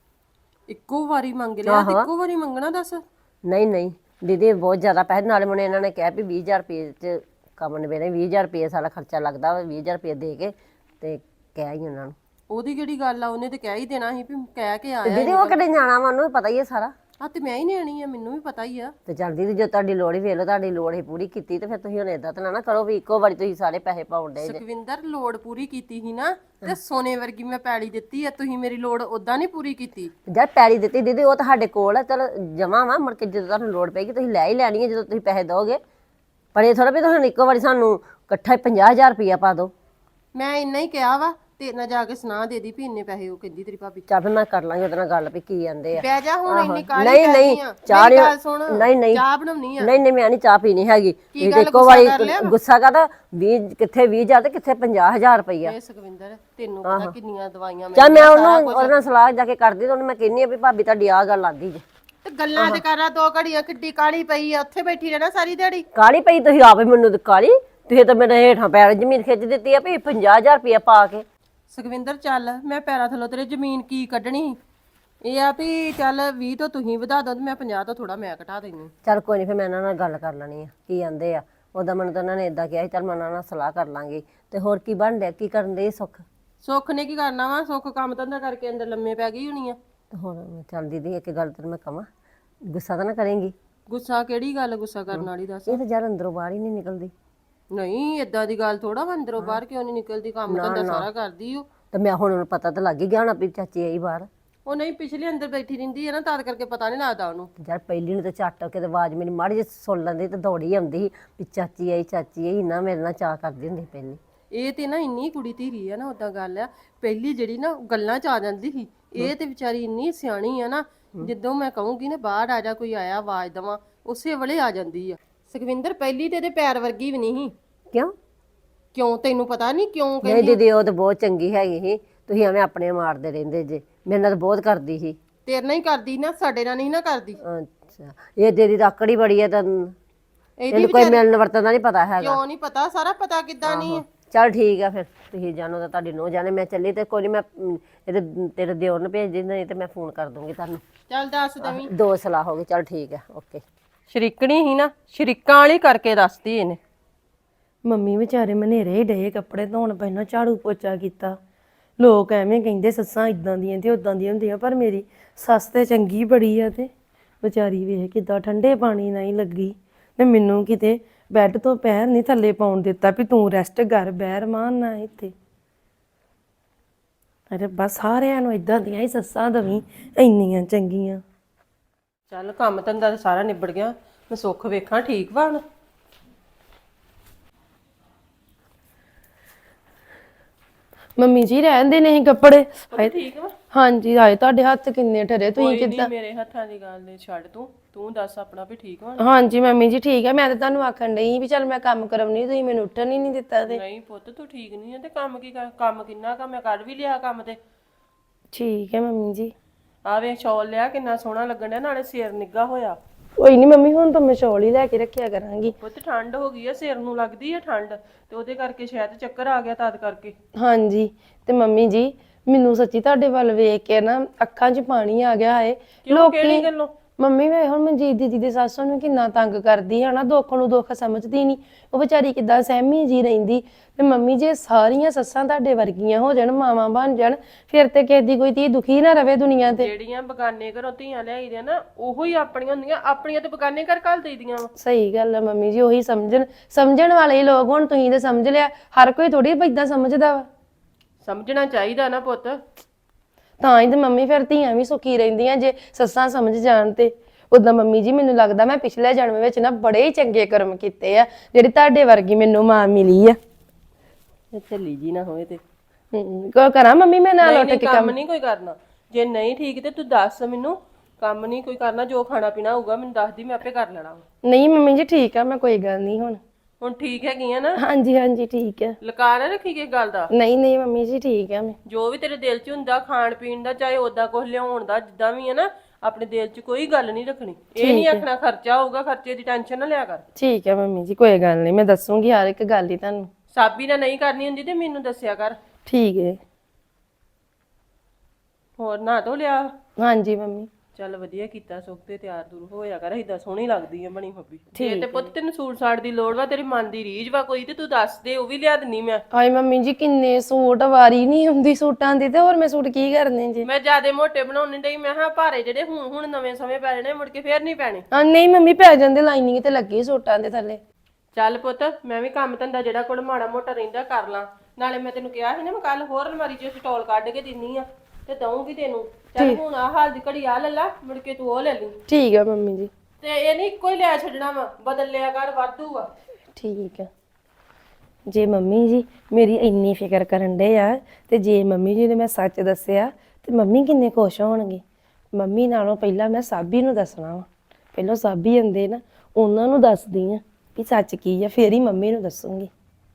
Speaker 3: ਇੱਕੋ ਵਾਰੀ ਮੰਗ ਲਿਆ ਤੇ ਇੱਕੋ ਵਾਰੀ ਮੰਗਣਾ ਦੱਸ।
Speaker 4: ਨਹੀਂ ਦੀਦੀ ਬਹੁਤ ਜ਼ਿਆਦਾ ਪੈਸੇ। ਨਾਲੇ ਮੈਨੂੰ ਇਹਨਾਂ ਨੇ ਕਿਹਾ ਵੀ 20,000 ਰੁਪਏ ਚ ਕੰਮ ਨਿਬੇੜੇ। 20,000 ਰੁਪਏ ਸਾਡਾ ਖਰਚਾ ਲੱਗਦਾ ਵਾ, 20,000 ਰੁਪਏ ਦੇ ਕੇ ਤੇ ਕਹਿ ਹੀ ਉਹਨਾਂ ਨੂੰ।
Speaker 3: ਉਹਦੀ ਕਿਹੜੀ ਗੱਲ ਆ, ਉਹਨੇ ਤੇ ਕਹਿ ਹੀ ਦੇਣਾ ਸੀ ਵੀ ਕਹਿ ਕੇ
Speaker 4: ਤੇ
Speaker 3: ਆਇਆ।
Speaker 4: ਦੀਦੀ ਉਹ ਕਿਹੜੇ ਜਾਣਾ ਵਾ, ਉਹਨੂੰ ਵੀ ਪਤਾ ਹੀ ਹੈ ਸਾਰਾ।
Speaker 3: ਆ ਤੇ ਮੈਂ ਹੀ ਨਿਆਣੀ ਆ, ਮੈਨੂੰ ਵੀ ਪਤਾ ਹੀ ਆ।
Speaker 4: ਤੇ ਚੱਲ ਦੀਦੀ ਜੇ ਤੁਹਾਡੀ ਲੋੜ ਹੀ ਵੇਖ ਲਓ, ਤੁਹਾਡੀ ਲੋੜ ਹੀ ਪੂਰੀ ਕੀਤੀ ਤੇ ਫਿਰ ਤੁਸੀਂ ਹੁਣ ਏਦਾਂ ਤਾਂ ਨਾ ਕਰੋ ਵੀ ਇੱਕੋ ਵਾਰੀ ਤੁਸੀਂ ਸਾਰੇ ਪੈਸੇ ਪਾਉਣ ਡੇ ਜੇ।
Speaker 3: ਸੁਖਵਿੰਦਰ ਲੋੜ ਪੂਰੀ ਕੀਤੀ ਸੀ ਨਾ, ਤੇ ਸੋਨੇ ਵਰਗੀ ਮੈਂ ਪੈਲੀ ਦਿੱਤੀ ਆ, ਤੁਸੀਂ ਮੇਰੀ ਲੋੜ ਉਦਾਂ ਨਹੀਂ ਪੂਰੀ ਕੀਤੀ।
Speaker 4: ਜਦ ਪੈਲੀ ਦਿੱਤੀ ਦੀਦੀ ਉਹ ਤੁਹਾਡੇ ਕੋਲ ਹੈ, ਚਲ ਜਮਾ ਵਾ, ਮੁੜ ਕੇ ਜਦੋਂ ਤੁਹਾਨੂੰ ਲੋੜ ਪੈਗੀ ਤੁਸੀਂ ਲੈ ਹੀ ਲੈਣੀ ਹੈ ਜਦੋਂ ਤੁਸੀਂ ਪੈਸੇ ਦੋਗੇ। ਪਰ ਇਹ ਥੋੜਾ ਵੀ ਤੁਸੀਂ ਇੱਕੋ ਵਾਰੀ ਸਾਨੂੰ ਇਕੱਠਾ 50,000 ਰੁਪਇਆ ਪਾ ਦਿਓ।
Speaker 3: ਮੈਂ ਇੰਨਾ ਹੀ ਕਿਹਾ ਵਾ, ਤੇ ਨਾ ਜਾ ਕੇ ਸੁਣਾ ਦੇ ਦੀ ਵੀ ਇੰਨੇ ਪੈਸੇ ਉਹ ਕਹਿੰਦੀ ਤੇਰੀ ਭਾਬੀ।
Speaker 4: ਚੱਲ ਫਿਰ ਮੈਂ ਕਰ ਲਾਂਗੀ ਉਹਦੇ ਨਾਲ ਗੱਲ ਵੀ ਕੀ ਆਂਦੇ ਆ।
Speaker 3: ਬਹਿ ਜਾ ਹੁਣ, ਇੰਨੀ ਕਾਹਲੀ
Speaker 4: ਨਹੀਂ
Speaker 3: ਕਰਦੀ ਆ।
Speaker 4: ਚਾਹ
Speaker 3: ਮੇਰੀ ਗੱਲ ਸੁਣ,
Speaker 4: ਨਹੀਂ
Speaker 3: ਚਾਹ ਬਣਾਉਣੀ ਆ।
Speaker 4: ਨਹੀਂ ਮੈਂ ਨਹੀਂ ਚਾਹ ਪੀਣੀ ਹੈਗੀ।
Speaker 3: ਕੀ ਗੱਲ,
Speaker 4: ਇੱਕੋ
Speaker 3: ਗੁੱਸਾ
Speaker 4: ਵਾਰੀ
Speaker 3: ਕਰ ਲਿਆ ਵਾ?
Speaker 4: ਗੁੱਸਾ ਕਰਦਾ 20 ਕਿੱਥੇ 20,000 ਤੇ ਕਿੱਥੇ 50,000 ਰੁਪਇਆ।
Speaker 3: ਇਹ ਸੁਖਵਿੰਦਰ ਤੈਨੂੰ ਪਤਾ ਕਿੰਨੀਆਂ ਦਵਾਈਆਂ
Speaker 4: ਚੱਲ ਮੈਂ ਉਹਦੇ ਨਾਲ ਸਲਾਹ ਜਾ ਕੇ ਕਰਦੀ ਤੇ ਉਹਨੂੰ ਮੈਂ ਕਹਿੰਨੀ ਆ ਵੀ ਭਾਬੀ ਤੁਹਾਡੀ ਆਹ ਗੱਲ ਆਂਦੀ ਜੇ।
Speaker 3: ਤੇ ਗੱਲਾਂ ਤੇ ਕਰਾਂ 2 ਘੜੀਆਂ, ਕਿੱਡੀ ਕਾਲੀ ਪਈ ਆ, ਉੱਥੇ ਬੈਠੀ ਰਹਿਣਾ ਸਾਰੀ ਦਿਹਾੜੀ।
Speaker 4: ਕਾਲੀ ਪਈ ਤੁਸੀਂ ਆਪੇ ਮੈਨੂੰ ਤੇ ਕਾਲੀ, ਤੁਸੀਂ ਤਾਂ ਮੇਰੇ ਹੇਠਾਂ ਪੈਰ ਜ਼ਮੀਨ ਖਿੱਚ ਦਿੱਤੀ ਆ ਵੀ 50,000 ਰੁਪਇਆ ਪਾ ਕੇ।
Speaker 3: ਸੁਖਵਿੰਦਰ ਚੱਲ, ਮੈਂ ਪੈਰਾਂ ਥੱਲੋਂ ਤੇਰੇ ਜ਼ਮੀਨ ਕੀ ਕੱਢਣੀ। ਇਹ ਆ ਵੀ ਚੱਲ 20 ਤੋਂ ਤੁਸੀਂ ਵਧਾ ਦੋ ਤੇ ਮੈਂ 50 ਤੋਂ ਥੋੜਾ ਮੈਂ ਘਟਾ ਦੇਣੀ।
Speaker 4: ਚੱਲ ਕੋਈ ਨਹੀਂ ਫਿਰ ਮੈਂ ਇਹਨਾਂ ਨਾਲ ਗੱਲ ਕਰ ਲੈਣੀ ਆ ਕੀ ਆਂਦੇ ਆ। ਉਦੋਂ ਮੈਨੂੰ ਤਾਂ ਉਹਨਾਂ ਨੇ ਇਦਾਂ ਕਿਹਾ ਸੀ ਚੱਲ ਮੈਂ ਉਹਨਾਂ ਨਾਲ ਸਲਾਹ ਕਰ ਲਾਂਗੀ। ਤੇ ਹੋਰ ਕੀ ਬਣ ਰਿਹਾ, ਕੀ ਕਰਨ ਦੇ ਸੁੱਖ?
Speaker 3: ਸੁੱਖ ਨੇ ਕੀ ਕਰਨਾ ਵਾ, ਸੁੱਖ ਕੰਮ ਧੰਦਾ ਕਰਕੇ ਅੰਦਰ ਲੰਮੇ ਪੈ ਗਈ ਹੋਣੀ ਆ।
Speaker 4: ਤੇ ਹੁਣ ਚੱਲ ਦੀਦੀ ਇੱਕ ਗੱਲ ਤੈਨੂੰ ਮੈਂ ਕਵਾਂ, ਗੁੱਸਾ ਤਾਂ ਨਾ ਕਰੇਂਗੀ?
Speaker 3: ਗੁੱਸਾ ਕਿਹੜੀ ਗੱਲ, ਗੁੱਸਾ ਕਰਨ ਵਾਲੀ ਦੱਸ।
Speaker 4: ਇਹ ਤਾਂ ਯਾਰ ਅੰਦਰੋਂ ਬਾਹਰ ਹੀ ਨਹੀਂ ਨਿਕਲਦੀ।
Speaker 3: ਨਹੀਂ ਏਦਾਂ ਦੀ ਗੱਲ ਥੋੜਾ ਵਾ, ਅੰਦਰੋਂ ਬਾਹਰ ਕਿਉਂ ਨਹੀਂ ਨਿਕਲਦੀ, ਕੰਮ ਧੰਦਾ ਸਾਰਾ ਕਰਦੀ ਉਹ।
Speaker 4: ਤੇ ਮੈਂ ਹੁਣ ਉਹਨੂੰ ਪਤਾ ਤਾਂ ਲੱਗ ਹੀ ਗਿਆ ਹੋਣਾ ਵੀ ਚਾਚੀ ਆਈ ਬਾਹਰ।
Speaker 3: ਉਹ ਨਹੀਂ ਪਿਛਲੇ ਅੰਦਰ ਬੈਠੀ ਰਹਿੰਦੀ ਹੈ ਨਾ, ਤਦ ਕਰਕੇ ਪਤਾ ਨਹੀਂ ਲੱਗਦਾ ਉਹਨੂੰ।
Speaker 4: ਤੇ ਯਾਰ ਪਹਿਲੀ ਨੂੰ ਤਾਂ ਝੱਟ ਕੇ ਤੇ ਆਵਾਜ਼ ਮੇਰੀ ਮਾੜੀ ਜਿਹੀ ਸੁਣ ਲੈਂਦੀ ਤੇ ਦੌੜੀ ਆਉਂਦੀ ਸੀ ਵੀ ਚਾਚੀ ਆਈ ਨਾ ਮੇਰੇ ਨਾਲ ਚਾਹ ਕਰਦੀ ਹੁੰਦੀ ਪਹਿਲੀ।
Speaker 3: ਇਹ ਤੇ ਨਾ ਇੰਨੀ ਕੁੜੀ ਧੀਰੀ ਆ ਨਾ, ਉਦਾਂ ਗੱਲ ਆ ਪਹਿਲੀ ਜਿਹੜੀ ਨਾ ਗੱਲਾਂ ਚ ਆ ਜਾਂਦੀ ਸੀ। ਇਹ ਤੇ ਵਿਚਾਰੀ ਇੰਨੀ ਸਿਆਣੀ ਆ ਨਾ, ਜਦੋਂ ਮੈਂ ਕਹੂੰਗੀ ਨਾ ਬਾਹਰ ਆ ਜਾ, ਕੋਈ ਆਇਆ ਆਵਾਜ਼ ਦਵਾਂ, ਉਸੇ ਵੇਲੇ ਆ ਜਾਂਦੀ ਆ। ਸੁਖਵਿੰਦਰ ਪਹਿਲੀ ਤੇ ਇਹਦੇ ਪੈਰ ਵਰਗੀ ਵੀ ਨਹੀਂ ਸੀ। ਕਿਉਂ ਤੈਨੂੰ ਪਤਾ ਨਹੀਂ ਕਿਉਂ
Speaker 4: ਨਹੀਂ ਦੀਦੀ ਉਹ ਤਾਂ ਬਹੁਤ ਚੰਗੀ ਹੈਗੀ ਸੀ, ਤੁਸੀਂ ਐਵੇਂ ਆਪਣੇ ਮਾਰਦੇ ਰਹਿੰਦੇ ਜੇ। ਮੇਰੇ ਨਾਲ ਤਾਂ ਬਹੁਤ ਕਰਦੀ ਸੀ।
Speaker 3: ਤੇਰੇ ਨਾਲ ਹੀ ਕਰਦੀ ਨਾ, ਸਾਡੇ ਨਾਲ ਨਹੀਂ ਨਾ ਕਰਦੀ।
Speaker 4: ਅੱਛਾ ਇਹ ਤੇਰੀ ਆਕੜੀ ਬੜੀ ਹੈ ਤਾਂ ਇਹਨੂੰ ਕੋਈ ਮਿਲਣ ਵਰਤਣ ਦਾ ਨਹੀਂ ਪਤਾ ਹੈਗਾ।
Speaker 3: ਕਿਉਂ ਨਹੀਂ ਪਤਾ, ਸਾਰਾ ਪਤਾ ਕਿੱਦਾਂ ਨਹੀਂ।
Speaker 4: ਚੱਲ ਠੀਕ ਆ ਫਿਰ ਤੁਸੀਂ ਜਾਣੋ ਤਾਂ ਤੁਹਾਡੀ ਨੋ ਜਾਣੇ। ਮੈਂ ਚੱਲੀ ਤੇ ਕੋਈ ਨਹੀਂ, ਮੈਂ ਇਹਦੇ ਤੇਰੇ ਦਿਓਰ ਨੂੰ ਭੇਜ ਦਿੰਦਾ, ਨਹੀਂ ਤੇ ਮੈਂ ਫੋਨ ਕਰ ਦੂੰਗੀ ਤੁਹਾਨੂੰ।
Speaker 3: ਚੱਲ ਦੱਸ ਦਵੀਂ।
Speaker 4: 2 ਸਲਾਹ ਹੋ ਗਈ। ਚੱਲ ਠੀਕ ਆ, ਓਕੇ।
Speaker 3: ਸ਼ਰੀਕਣੀ ਹੀ ਨਾ, ਸ਼ਰੀਕਾਂ ਵਾਲੀ ਕਰਕੇ ਦੱਸਦੀ ਇਹਨੇ।
Speaker 2: ਮੰਮੀ ਵਿਚਾਰੇ ਮਨੇਰੇ ਹੀ ਡਏ ਕੱਪੜੇ ਧੋਣ, ਪਹਿਲਾਂ ਝਾੜੂ ਪੋਚਾ ਕੀਤਾ। ਲੋਕ ਐਵੇਂ ਕਹਿੰਦੇ ਸੱਸਾਂ ਇਦਾਂ ਦੀਆਂ ਤੇ ਉਦਾਂ ਦੀਆਂ ਹੁੰਦੀਆਂ, ਪਰ ਮੇਰੀ ਸੱਸ ਤੇ ਚੰਗੀ ਬੜੀ ਆ। ਤੇ ਵਿਚਾਰੀ ਵੇਖ ਕਿੱਦਾਂ ਠੰਡੇ ਪਾਣੀ ਨਾਲ ਹੀ ਲੱਗੀ, ਤੇ ਮੈਨੂੰ ਕਿਤੇ ਬੈੱਡ ਤੋਂ ਪੈਰ ਨਹੀਂ ਥੱਲੇ ਪਾਉਣ ਦਿੱਤਾ ਵੀ ਤੂੰ ਰੈਸਟ ਕਰ, ਬੈਰ ਮਾਨ ਨਾ ਇੱਥੇ। ਅਰੇ ਬਸ ਸਾਰਿਆਂ ਨੂੰ ਇਦਾਂ ਦੀਆਂ ਹੀ ਸੱਸਾਂ ਦਵੀਂ, ਇੰਨੀਆਂ ਚੰਗੀਆਂ।
Speaker 3: ਚੱਲ ਕੰਮ ਧੰਦਾ ਤਾਂ ਸਾਰਾ ਨਿਬੜ ਗਿਆ, ਮੈਂ ਸੁੱਖ ਵੇਖਾਂ ਠੀਕ ਵਾ ਹੁਣ।
Speaker 2: ਮੰਮੀ ਜੀ ਰਹਿੰਦੇ ਨਹੀਂ ਕੱਪੜੇ।
Speaker 3: ਠੀਕ ਵਾ?
Speaker 2: ਹਾਂਜੀ ਆਏ ਤੁਹਾਡੇ ਹੱਥ ਕਿੰਨੇ ਠਰੇ, ਤੁਸੀਂ ਕਿੱਦਾਂ?
Speaker 3: ਮੇਰੇ ਹੱਥਾਂ ਦੀ ਗੱਲ ਨਹੀਂ ਛੱਡ, ਤੂੰ ਦੱਸ ਆਪਣਾ ਵੀ ਠੀਕ ਵਾ?
Speaker 2: ਹਾਂਜੀ ਮੰਮੀ ਜੀ ਠੀਕ ਹੈ। ਮੈਂ ਤਾਂ ਤੁਹਾਨੂੰ ਆਖਣ ਡਈ ਵੀ ਚੱਲ ਮੈਂ ਕੰਮ ਕਰਾਉਣੀ, ਤੁਸੀਂ ਮੈਨੂੰ ਉੱਠਣ ਹੀ ਨਹੀਂ ਦਿੱਤਾ। ਤੇ
Speaker 3: ਨਹੀਂ ਪੁੱਤ ਤੂੰ ਠੀਕ ਨਹੀਂ ਹੈ ਤੇ ਕੰਮ ਕੀ ਕਰ, ਕੰਮ ਕਿੰਨਾ ਕੰਮ ਮੈਂ ਕਰ ਵੀ ਲਿਆ ਕੰਮ ਤੇ।
Speaker 2: ਠੀਕ ਹੈ ਮੰਮੀ ਜੀ।
Speaker 3: ਆ ਵੇ ਸ਼ਾਲ ਲਿਆ ਕਿੰਨਾ ਸੋਹਣਾ ਲੱਗਣ ਡਿਆ, ਨਾਲੇ ਸਿਰ ਨਿੱਘਾ ਹੋਇਆ।
Speaker 2: ਕੋਈ ਨਹੀਂ ਮੰਮੀ, ਹੁਣ ਤਾਂ ਮੈਂ ਸ਼ਾਲ ਹੀ ਲੈ ਕੇ ਰੱਖਿਆ ਕਰਾਂਗੀ।
Speaker 3: ਪੁੱਤ ਠੰਡ ਹੋ ਗਈ ਆ, ਸਿਰ ਨੂੰ ਲੱਗਦੀ ਆ ਠੰਡ, ਤੇ ਉਹਦੇ ਕਰਕੇ ਸ਼ਾਇਦ ਚੱਕਰ ਆ ਗਿਆ ਤਦ ਕਰਕੇ।
Speaker 2: ਹਾਂਜੀ ਤੇ ਮੰਮੀ ਜੀ ਮੈਨੂੰ ਸੱਚੀ ਤੁਹਾਡੇ ਵੱਲ ਵੇਖ ਕੇ ਨਾ ਅੱਖਾਂ 'ਚ ਪਾਣੀ ਆ ਗਿਆ ਹੈ।
Speaker 3: ਕਿਹੜੀ ਗੱਲੋਂ?
Speaker 2: ਮੰਮੀ ਵੇ ਹੁਣ ਮਨਜੀਤ ਦੀਦੀ ਦੇ ਸੱਸ ਨੂੰ ਕਿੰਨਾ ਤੰਗ ਕਰਦੀ ਹੈ ਨਾ, ਦੁੱਖ ਨੂੰ ਦੁੱਖ ਸਮਝਦੀ ਨਹੀਂ, ਉਹ ਵਿਚਾਰੀ ਕਿੱਦਾਂ ਸਹਿਮੀ ਜੀ ਰਹਿੰਦੀ। ਤੇ ਮੰਮੀ ਜੇ ਸਾਰੀਆਂ ਸੱਸਾਂ ਤੁਹਾਡੇ ਵਰਗੀਆਂ ਹੋ ਜਾਣ, ਮਾਵਾਂ ਬਣ ਜਾਣ, ਫਿਰ ਤੇ ਕਿਸੇ ਦੀ ਕੋਈ ਧੀ ਦੁਖੀ ਨਾ ਰਵੇ ਦੁਨੀਆ ਤੇ।
Speaker 3: ਜਿਹੜੀਆਂ ਬਗਾਨੇ ਘਰੋਂ ਧੀਆਂ ਲਿਆਈਆਂ ਨਾ, ਉਹੋ ਹੀ ਆਪਣੀਆਂ ਹੁੰਦੀਆਂ, ਆਪਣੀਆਂ ਤੇ ਬਗਾਨੇ ਘਰ ਘੱਲ ਦੇਈਦੀਆਂ ਵਾ।
Speaker 2: ਸਹੀ ਗੱਲ ਹੈ ਮੰਮੀ ਜੀ, ਉਹੀ ਸਮਝਣ ਵਾਲੇ ਹੀ ਲੋਕ। ਹੁਣ ਤੁਸੀਂ ਤੇ ਸਮਝ ਲਿਆ, ਹਰ ਕੋਈ ਥੋੜੀ ਏਦਾਂ ਸਮਝਦਾ ਵਾ।
Speaker 3: ਸਮਝਣਾ ਚਾਹੀਦਾ ਨਾ ਪੁੱਤ।
Speaker 2: ਤਾਂ ਹੀ ਤੇ ਮੰਮੀ ਫਿਰ ਧੀਆਂ ਵੀ ਸੁਖੀ ਰਹਿੰਦੀਆਂ ਜੇ ਸੱਸਾਂ ਸਮਝ ਜਾਣ ਤੇ। ਉਦਾਂ ਮੰਮੀ ਜੀ ਮੈਨੂੰ ਲੱਗਦਾ ਮੈਂ ਪਿਛਲੇ ਜਨਮ ਵਿੱਚ ਨਾ ਬੜੇ ਹੀ ਚੰਗੇ ਕਰਮ ਕੀਤੇ ਆ, ਜਿਹੜੀ ਤੁਹਾਡੇ ਵਰਗੀ ਮੈਨੂੰ ਮਾਂ ਮਿਲੀ ਆ।
Speaker 3: ਚੱਲੀ ਜੀ ਨਾ ਹੋਏ ਤੇ
Speaker 2: ਕੋ ਕਰਾਂ ਮੰਮੀ ਮੈਂ ਨਾਲ ਉੱਠ ਕੇ
Speaker 3: ਕੰਮ ਨਹੀਂ ਕੋਈ ਕਰਨਾ। ਜੇ ਨਹੀਂ ਠੀਕ ਤੇ ਤੂੰ ਦੱਸ ਮੈਨੂੰ, ਕੰਮ ਨਹੀਂ ਕੋਈ ਕਰਨਾ। ਜੋ ਖਾਣਾ ਪੀਣਾ ਹੋਊਗਾ ਮੈਨੂੰ ਦੱਸ ਦੀ, ਮੈਂ ਆਪੇ ਕਰ ਲੈਣਾ।
Speaker 2: ਨਹੀਂ ਮੰਮੀ ਜੀ ਠੀਕ ਆ, ਮੈਂ ਕੋਈ ਗੱਲ ਨਹੀਂ। ਹੁਣ
Speaker 3: ਠੀਕ ਹੈਗੀਆਂ ਨਾ?
Speaker 2: ਹਾਂਜੀ ਹਾਂਜੀ ਠੀਕ ਹੈ।
Speaker 3: ਲਕਾ ਨਾ ਰੱਖੀ ਕਿਸ ਗੱਲ ਦਾ?
Speaker 2: ਨਹੀਂ ਮੰਮੀ ਜੀ ਠੀਕ ਆ। ਮੈਂ
Speaker 3: ਜੋ ਵੀ ਤੇਰੇ ਦਿਲ 'ਚ ਹੁੰਦਾ ਖਾਣ ਪੀਣ ਦਾ, ਚਾਹੇ ਓਦਾਂ ਕੁਝ ਲਿਆਉਣ ਦਾ, ਜਿੱਦਾਂ ਵੀ ਹੈ ਨਾ, ਆਪਣੇ ਦਿਲ 'ਚ ਕੋਈ ਗੱਲ ਨਹੀਂ ਰੱਖਣੀ। ਇਹ ਨਹੀਂ ਆਖਣਾ ਖਰਚਾ ਹੋਊਗਾ, ਖਰਚੇ ਦੀ ਟੈਨਸ਼ਨ ਨਾ ਲਿਆ ਕਰ।
Speaker 2: ਠੀਕ ਹੈ ਮੰਮੀ ਜੀ, ਕੋਈ ਗੱਲ ਨਹੀਂ, ਮੈਂ ਦੱਸੂਗੀ ਹਰ ਇੱਕ ਗੱਲ ਹੀ ਤੁਹਾਨੂੰ।
Speaker 3: ਸਾਬੀ ਨਾਲ ਨਹੀਂ ਕਰਨੀ ਹੁੰਦੀ ਤੇ ਮੈਨੂੰ ਦੱਸਿਆ ਕਰ।
Speaker 2: ਠੀਕ ਹੈ।
Speaker 3: ਹੋਰ ਨਹਾ ਧੋ ਲਿਆ?
Speaker 2: ਹਾਂਜੀ ਮੰਮੀ।
Speaker 3: ਚੱਲ ਵਧੀਆ ਕੀਤਾ, ਸੁੱਖ ਤੇ ਤਿਆਰ ਦੂਰ ਹੋਇਆ ਕਰ, ਏਦਾਂ ਸੋਹਣੀ ਲੱਗਦੀ ਆ ਬਣੀ ਫੱਬੀ। ਜੇ ਤੇ ਪੁੱਤ ਤੈਨੂੰ ਸੂਟ ਸਾੜ ਦੀ ਲੋੜ ਵਾ, ਤੇਰੀ ਮਨ ਦੀ ਰੀਝ ਵਾ ਕੋਈ, ਤੇ ਤੂੰ ਦੱਸ ਦੇ, ਉਹ ਵੀ ਲਿਆ ਦਿੰਨੀ ਮੈਂ।
Speaker 2: ਹਾਏ ਮੰਮੀ ਜੀ, ਕਿੰਨੇ ਸੂਟ, ਵਾਰੀ ਨਹੀਂ ਹੁੰਦੀ ਸੂਟਾਂ ਦੀ, ਤੇ ਹੋਰ ਮੈਂ ਸੂਟ ਕੀ ਕਰਨੇ ਜੀ।
Speaker 3: ਮੈਂ ਜਿਆਦੇ ਮੋਟੇ ਬਣਾਉਣੇ ਡਈ, ਮੈਂ ਹਾਂ ਭਾਰੇ ਜਿਹੜੇ ਹੁਣ ਨਵੇਂ ਸਮੇਂ ਪੈ ਜਾਣੇ, ਮੁੜ ਕੇ ਫੇਰ ਨਹੀਂ ਪੈਣੇ।
Speaker 2: ਹਾਂ ਨਹੀਂ ਮੰਮੀ, ਪੈ ਜਾਂਦੇ, ਲਾਈਨਿੰਗ ਤੇ ਲੱਗੀ ਸੂਟਾਂ ਦੇ ਥੱਲੇ।
Speaker 3: ਚੱਲ ਪੁੱਤ, ਮੈਂ ਵੀ ਕੰਮ ਧੰਦਾ ਜਿਹੜਾ ਕੋਲ ਮਾੜਾ ਮੋਟਾ ਰਹਿੰਦਾ ਕਰ ਲਾਂ। ਨਾਲੇ ਮੈਂ ਤੈਨੂੰ ਕਿਹਾ ਸੀ ਨਾ, ਮੈਂ ਕੱਲ ਹੋਰ ਅਲਮਾਰੀ 'ਚ ਸਟੋਲ ਕੱਢ ਕੇ ਦਿੰਨੀ ਆ ਤੇ ਦਊਂਗੀ ਤੈਨੂੰ। ਚੱਲ ਹੁਣ ਆ ਹਾਲ ਦੀ ਘੜੀ ਆ ਲੈ ਲਾ, ਮੁੜ ਕੇ ਤੂੰ ਉਹ ਲੈ ਲਈ।
Speaker 2: ਠੀਕ ਹੈ ਮੰਮੀ ਜੀ।
Speaker 3: ਤੇ ਇਹ ਨਹੀਂ ਇੱਕੋ ਹੀ ਲਿਆ ਛੱਡਣਾ ਵਾ, ਬਦਲ ਲਿਆ ਕਰ, ਵਾਧੂ ਆ।
Speaker 2: ਠੀਕ ਹੈ। ਜੇ ਮੰਮੀ ਜੀ ਮੇਰੀ ਇੰਨੀ ਫਿਕਰ ਕਰਨ ਡੇ ਆ, ਤੇ ਜੇ ਮੰਮੀ ਜੀ ਨੇ ਮੈਂ ਸੱਚ ਦੱਸਿਆ ਤੇ ਮੰਮੀ ਕਿੰਨੇ ਖੁਸ਼ ਹੋਣਗੇ। ਮੰਮੀ ਨਾਲੋਂ ਪਹਿਲਾਂ ਮੈਂ ਸਾਬੀ ਨੂੰ ਦੱਸਣਾ ਵਾ। ਪਹਿਲਾਂ ਸਾਬੀ ਹੁੰਦੇ ਨਾ, ਉਹਨਾਂ ਨੂੰ ਦੱਸਦੀ ਆ ਵੀ ਸੱਚ ਕੀ ਆ, ਫੇਰ ਹੀ ਮੰਮੀ ਨੂੰ ਦੱਸੂਗੀ।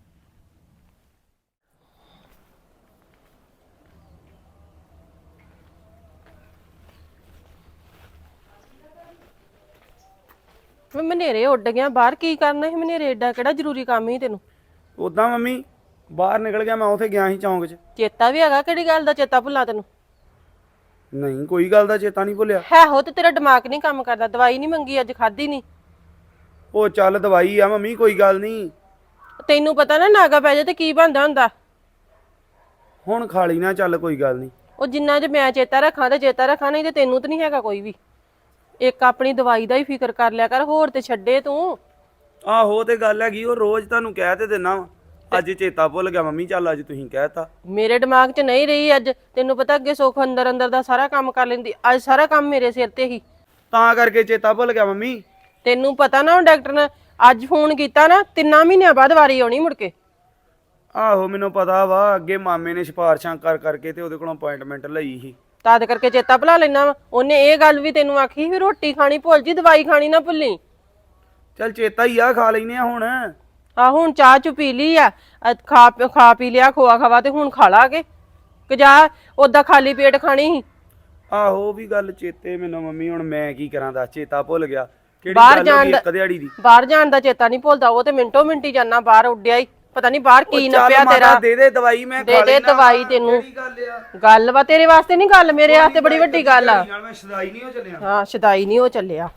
Speaker 3: ਮੈਂ ਮਨੇਰੇ ਉੱਡ ਗਿਆ ਬਾਹਰ, ਕੀ ਕਰਨਾ ਸੀ ਮਨੇਰੇ? ਏਡਾ ਕਿਹੜਾ ਜ਼ਰੂਰੀ ਕੰਮ ਸੀ ਤੈਨੂੰ?
Speaker 1: ਉਦਾਂ ਮੰਮੀ ਬਾਹਰ ਨਿਕਲ ਗਿਆ, ਮੈਂ ਉੱਥੇ ਗਿਆ ਸੀ ਚੌਂਕ 'ਚ।
Speaker 3: ਚੇਤਾ ਵੀ ਹੈਗਾ? ਕਿਹੜੀ ਗੱਲ ਦਾ ਚੇਤਾ ਭੁੱਲਾਂ ਤੈਨੂੰ?
Speaker 1: ਨਹੀਂ, ਕੋਈ ਗੱਲ ਦਾ ਚੇਤਾ ਨਹੀਂ ਭੁੱਲਿਆ।
Speaker 3: ਹੈ ਹੋ ਤੇ ਤੇਰਾ ਦਿਮਾਗ ਨਹੀਂ ਕੰਮ ਕਰਦਾ। ਦਵਾਈ ਨਹੀਂ ਮੰਗੀ ਅੱਜ, ਖਾਧੀ ਨਹੀਂ?
Speaker 1: ਉਹ ਚੱਲ ਦਵਾਈ ਆ ਮੰਮੀ, ਕੋਈ ਗੱਲ ਨਹੀਂ।
Speaker 3: ਤੈਨੂੰ ਪਤਾ ਨਾ, ਨਾਗਾ ਪੈ ਜਾ ਤੇ ਕੀ ਬਣਦਾ ਹੁੰਦਾ।
Speaker 1: ਹੁਣ ਖਾ ਲਈ ਨਾ, ਚੱਲ ਕੋਈ ਗੱਲ ਨਹੀਂ।
Speaker 3: ਉਹ ਜਿੰਨਾ ਜੇ ਮੈਂ ਚੇਤਾ ਰੱਖਾਂ ਤੇ ਚੇਤਾ ਰੱਖਾਂ, ਨਹੀਂ ਤੇ ਤੈਨੂੰ ਤਾਂ ਨਹੀਂ ਹੈਗਾ ਕੋਈ ਵੀ। ਇੱਕ ਆਪਣੀ ਦਵਾਈ ਦਾ ਹੀ ਫਿਕਰ ਕਰ ਲਿਆ ਕਰ, ਹੋਰ ਤੇ ਛੱਡੇ ਤੂੰ।
Speaker 1: ਆਹੋ ਤੇ ਗੱਲ ਹੈਗੀ, ਉਹ ਰੋਜ਼ ਤੁਹਾਨੂੰ ਕਹਿ ਤੇ ਦਿੰਨਾ ਵਾ। ਅੱਜ ਚੇਤਾ ਭੁੱਲ ਗਿਆ ਮੰਮੀ, ਚੱਲ ਅੱਜ ਤੁਸੀਂ ਕਹਿਤਾ।
Speaker 3: ਮੇਰੇ ਦਿਮਾਗ 'ਚ ਨਹੀਂ ਰਹੀ ਅੱਜ। ਤੈਨੂੰ ਪਤਾ ਅੱਗੇ ਸੁੱਖ ਅੰਦਰ ਅੰਦਰ ਦਾ ਸਾਰਾ ਕੰਮ ਕਰ ਲੈਂਦੀ, ਅੱਜ ਸਾਰਾ ਕੰਮ ਮੇਰੇ ਸਿਰ ਤੇ ਹੀ,
Speaker 1: ਤਾਂ ਕਰਕੇ ਚੇਤਾ ਭੁੱਲ ਗਿਆ ਮੰਮੀ।
Speaker 3: ਤੈਨੂੰ ਪਤਾ ਨਾ, ਉਹ ਡਾਕਟਰ ਨੇ ਅੱਜ ਫੋਨ ਕੀਤਾ ਨਾ, 3 ਮਹੀਨਿਆਂ ਬਾਅਦ ਵਾਰੀ ਆਉਣੀ ਮੁੜ ਕੇ।
Speaker 1: ਆਹੋ ਮੈਨੂੰ ਪਤਾ ਵਾ, ਅੱਗੇ ਮਾਮੇ ਨੇ ਸਿਫਾਰਸ਼ਾਂ ਕਰ ਕਰਕੇ ਤੇ ਉਹਦੇ ਕੋਲੋਂ ਅਪਾਇੰਟਮੈਂਟ ਲਈ ਸੀ।
Speaker 3: ਤਦ ਕਰਕੇ ਚੇਤਾ ਭੁਲਾ ਲੈਣਾ ਵਾ। ਉਹਨੇ ਇਹ ਗੱਲ ਵੀ ਤੈਨੂੰ ਆਖੀ ਵੀ ਰੋਟੀ ਖਾਣੀ ਭੁੱਲ ਜੀ, ਦਵਾਈ ਖਾਣੀ ਨਾ ਭੁੱਲੀ।
Speaker 1: ਚੱਲ ਚੇਤਾ ਹੀ ਆ, ਖਾ ਲੈਨੇ ਆ ਹੁਣ।
Speaker 3: ਆ ਹੁਣ ਚਾਹ ਚੁ ਪੀ ਲਈ ਆ, ਖਾ ਪੀ ਲਿਆ ਖੋਆ ਖਵਾ, ਤੇ ਹੁਣ ਖਾ ਲਾਗੇ ਕਿ ਜਾ ਓਦਾਂ ਖਾਲੀ ਪੇਟ ਖਾਣੀ ਸੀ?
Speaker 1: ਆਹੋ ਵੀ ਗੱਲ ਚੇਤੇ ਮੈਨੂੰ ਮੰਮੀ, ਹੁਣ ਮੈਂ ਕੀ ਕਰਾਂ, ਦੱਸ ਚੇਤਾ ਭੁੱਲ ਗਿਆ। ਕਿਹੜੀ
Speaker 3: ਬਾਹਰ
Speaker 1: ਗੱਲ ਹੋ
Speaker 3: ਜਾਣ
Speaker 1: ਗਈ
Speaker 3: ਦਾ
Speaker 1: ਇੱਕ ਦਿਹਾੜੀ ਦੀ?
Speaker 3: ਬਾਹਰ ਜਾਣ ਦਾ ਚੇਤਾ ਨਹੀਂ ਭੁੱਲਦਾ, ਉਹ ਤੇ ਮਿੰਟੋ ਮਿੰਟੀ ਜਾਣਾ ਬਾਹਰ, ਉੱਡਿਆ ਹੀ ਪਤਾ ਨਹੀਂ ਬਾਹਰ ਕੀ
Speaker 1: ਚੱਲ
Speaker 3: ਨੱਪਿਆ
Speaker 1: ਮਾਤਾ
Speaker 3: ਤੇਰਾ।
Speaker 1: ਦੇ ਦੇ ਦਵਾਈ, ਮੈਂ
Speaker 3: ਦੇ
Speaker 1: ਖਾ
Speaker 3: ਦੇ
Speaker 1: ਲੈਣਾ।
Speaker 3: ਦਵਾਈ ਤੈਨੂੰ।
Speaker 1: ਕਿਹੜੀ ਗੱਲ ਆ?
Speaker 3: ਗੱਲ ਵਾ ਤੇਰੇ ਵਾਸਤੇ ਨਹੀਂ, ਗੱਲ ਮੇਰੇ ਵਾਸਤੇ ਬੜੀ ਵੱਡੀ ਗੱਲ ਆ।
Speaker 1: ਨਾਲ ਮੈਂ ਸਦਾਈ ਨਹੀਂ ਹੋ ਚੱਲਿਆ।
Speaker 3: ਹਾਂ ਸ਼ਦਾਈ ਨਹੀਂ ਉਹ ਚੱਲਿਆ।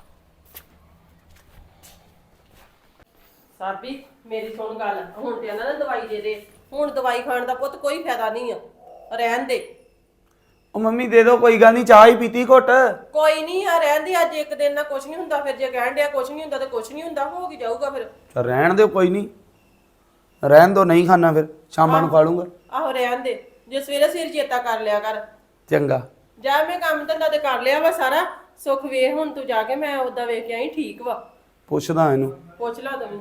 Speaker 3: ਸਾਬੀ ਮੇਰੀ ਸੁਣ ਗੱਲ, ਹੁਣ ਤੇ ਇਹਨਾਂ ਨੇ ਦਵਾਈ ਦੇ ਦੇ। ਹੁਣ ਦਵਾਈ ਖਾਣ ਦਾ ਪੁੱਤ ਕੋਈ ਫਾਇਦਾ ਨਹੀਂ ਆ, ਰਹਿਣ ਦੇ।
Speaker 1: ਉਹ ਮੰਮੀ ਦੇ ਦੋ, ਕੋਈ ਗੱਲ ਨਹੀਂ, ਚਾਹ ਹੀ ਪੀਤੀ ਘੁੱਟ।
Speaker 3: ਕੋਈ ਨਹੀਂ ਆ, ਰਹਿਣ ਦੇ। ਅੱਜ ਇੱਕ ਦਿਨ ਨਾਲ ਕੁਝ ਨਹੀਂ ਹੁੰਦਾ, ਫਿਰ ਜੇ ਕਹਿਣ ਡਿਆ ਕੁਝ ਨਹੀਂ ਹੁੰਦਾ ਤੇ ਕੁਝ ਨਹੀਂ ਹੁੰਦਾ, ਹੋ ਕੀ ਜਾਊਗਾ ਫਿਰ?
Speaker 1: ਚੱਲ ਰਹਿਣ ਦਿਓ, ਕੋਈ ਨਹੀਂ, ਰਹਿਣ ਦੋ, ਨਹੀਂ ਖਾਣਾ ਫਿਰ ਸ਼ਾਮਾਂ ਨੂੰ ਖਾ ਲੂੰਗਾ।
Speaker 3: ਆਹੋ ਰਹਿਣ ਦੇ, ਜੇ ਸਵੇਰੇ ਸਿਰ ਚੇਤਾ ਕਰ ਲਿਆ ਕਰ।
Speaker 1: ਚੰਗਾ।
Speaker 3: ਜਾ ਮੈਂ ਕੰਮ ਧੰਦਾ ਤੇ ਕਰ ਲਿਆ ਵਾ ਸਾਰਾ। ਸੁੱਖ ਵੇਖ ਹੁਣ ਤੂੰ ਜਾ ਕੇ, ਮੈਂ ਉਦਾਂ ਵੇਖ ਕੇ ਆਈ, ਠੀਕ ਵਾ?
Speaker 1: ਪੁੱਛਦਾ ਇਹਨੂੰ।
Speaker 3: ਪੁੱਛ ਲਾ ਤੂੰ।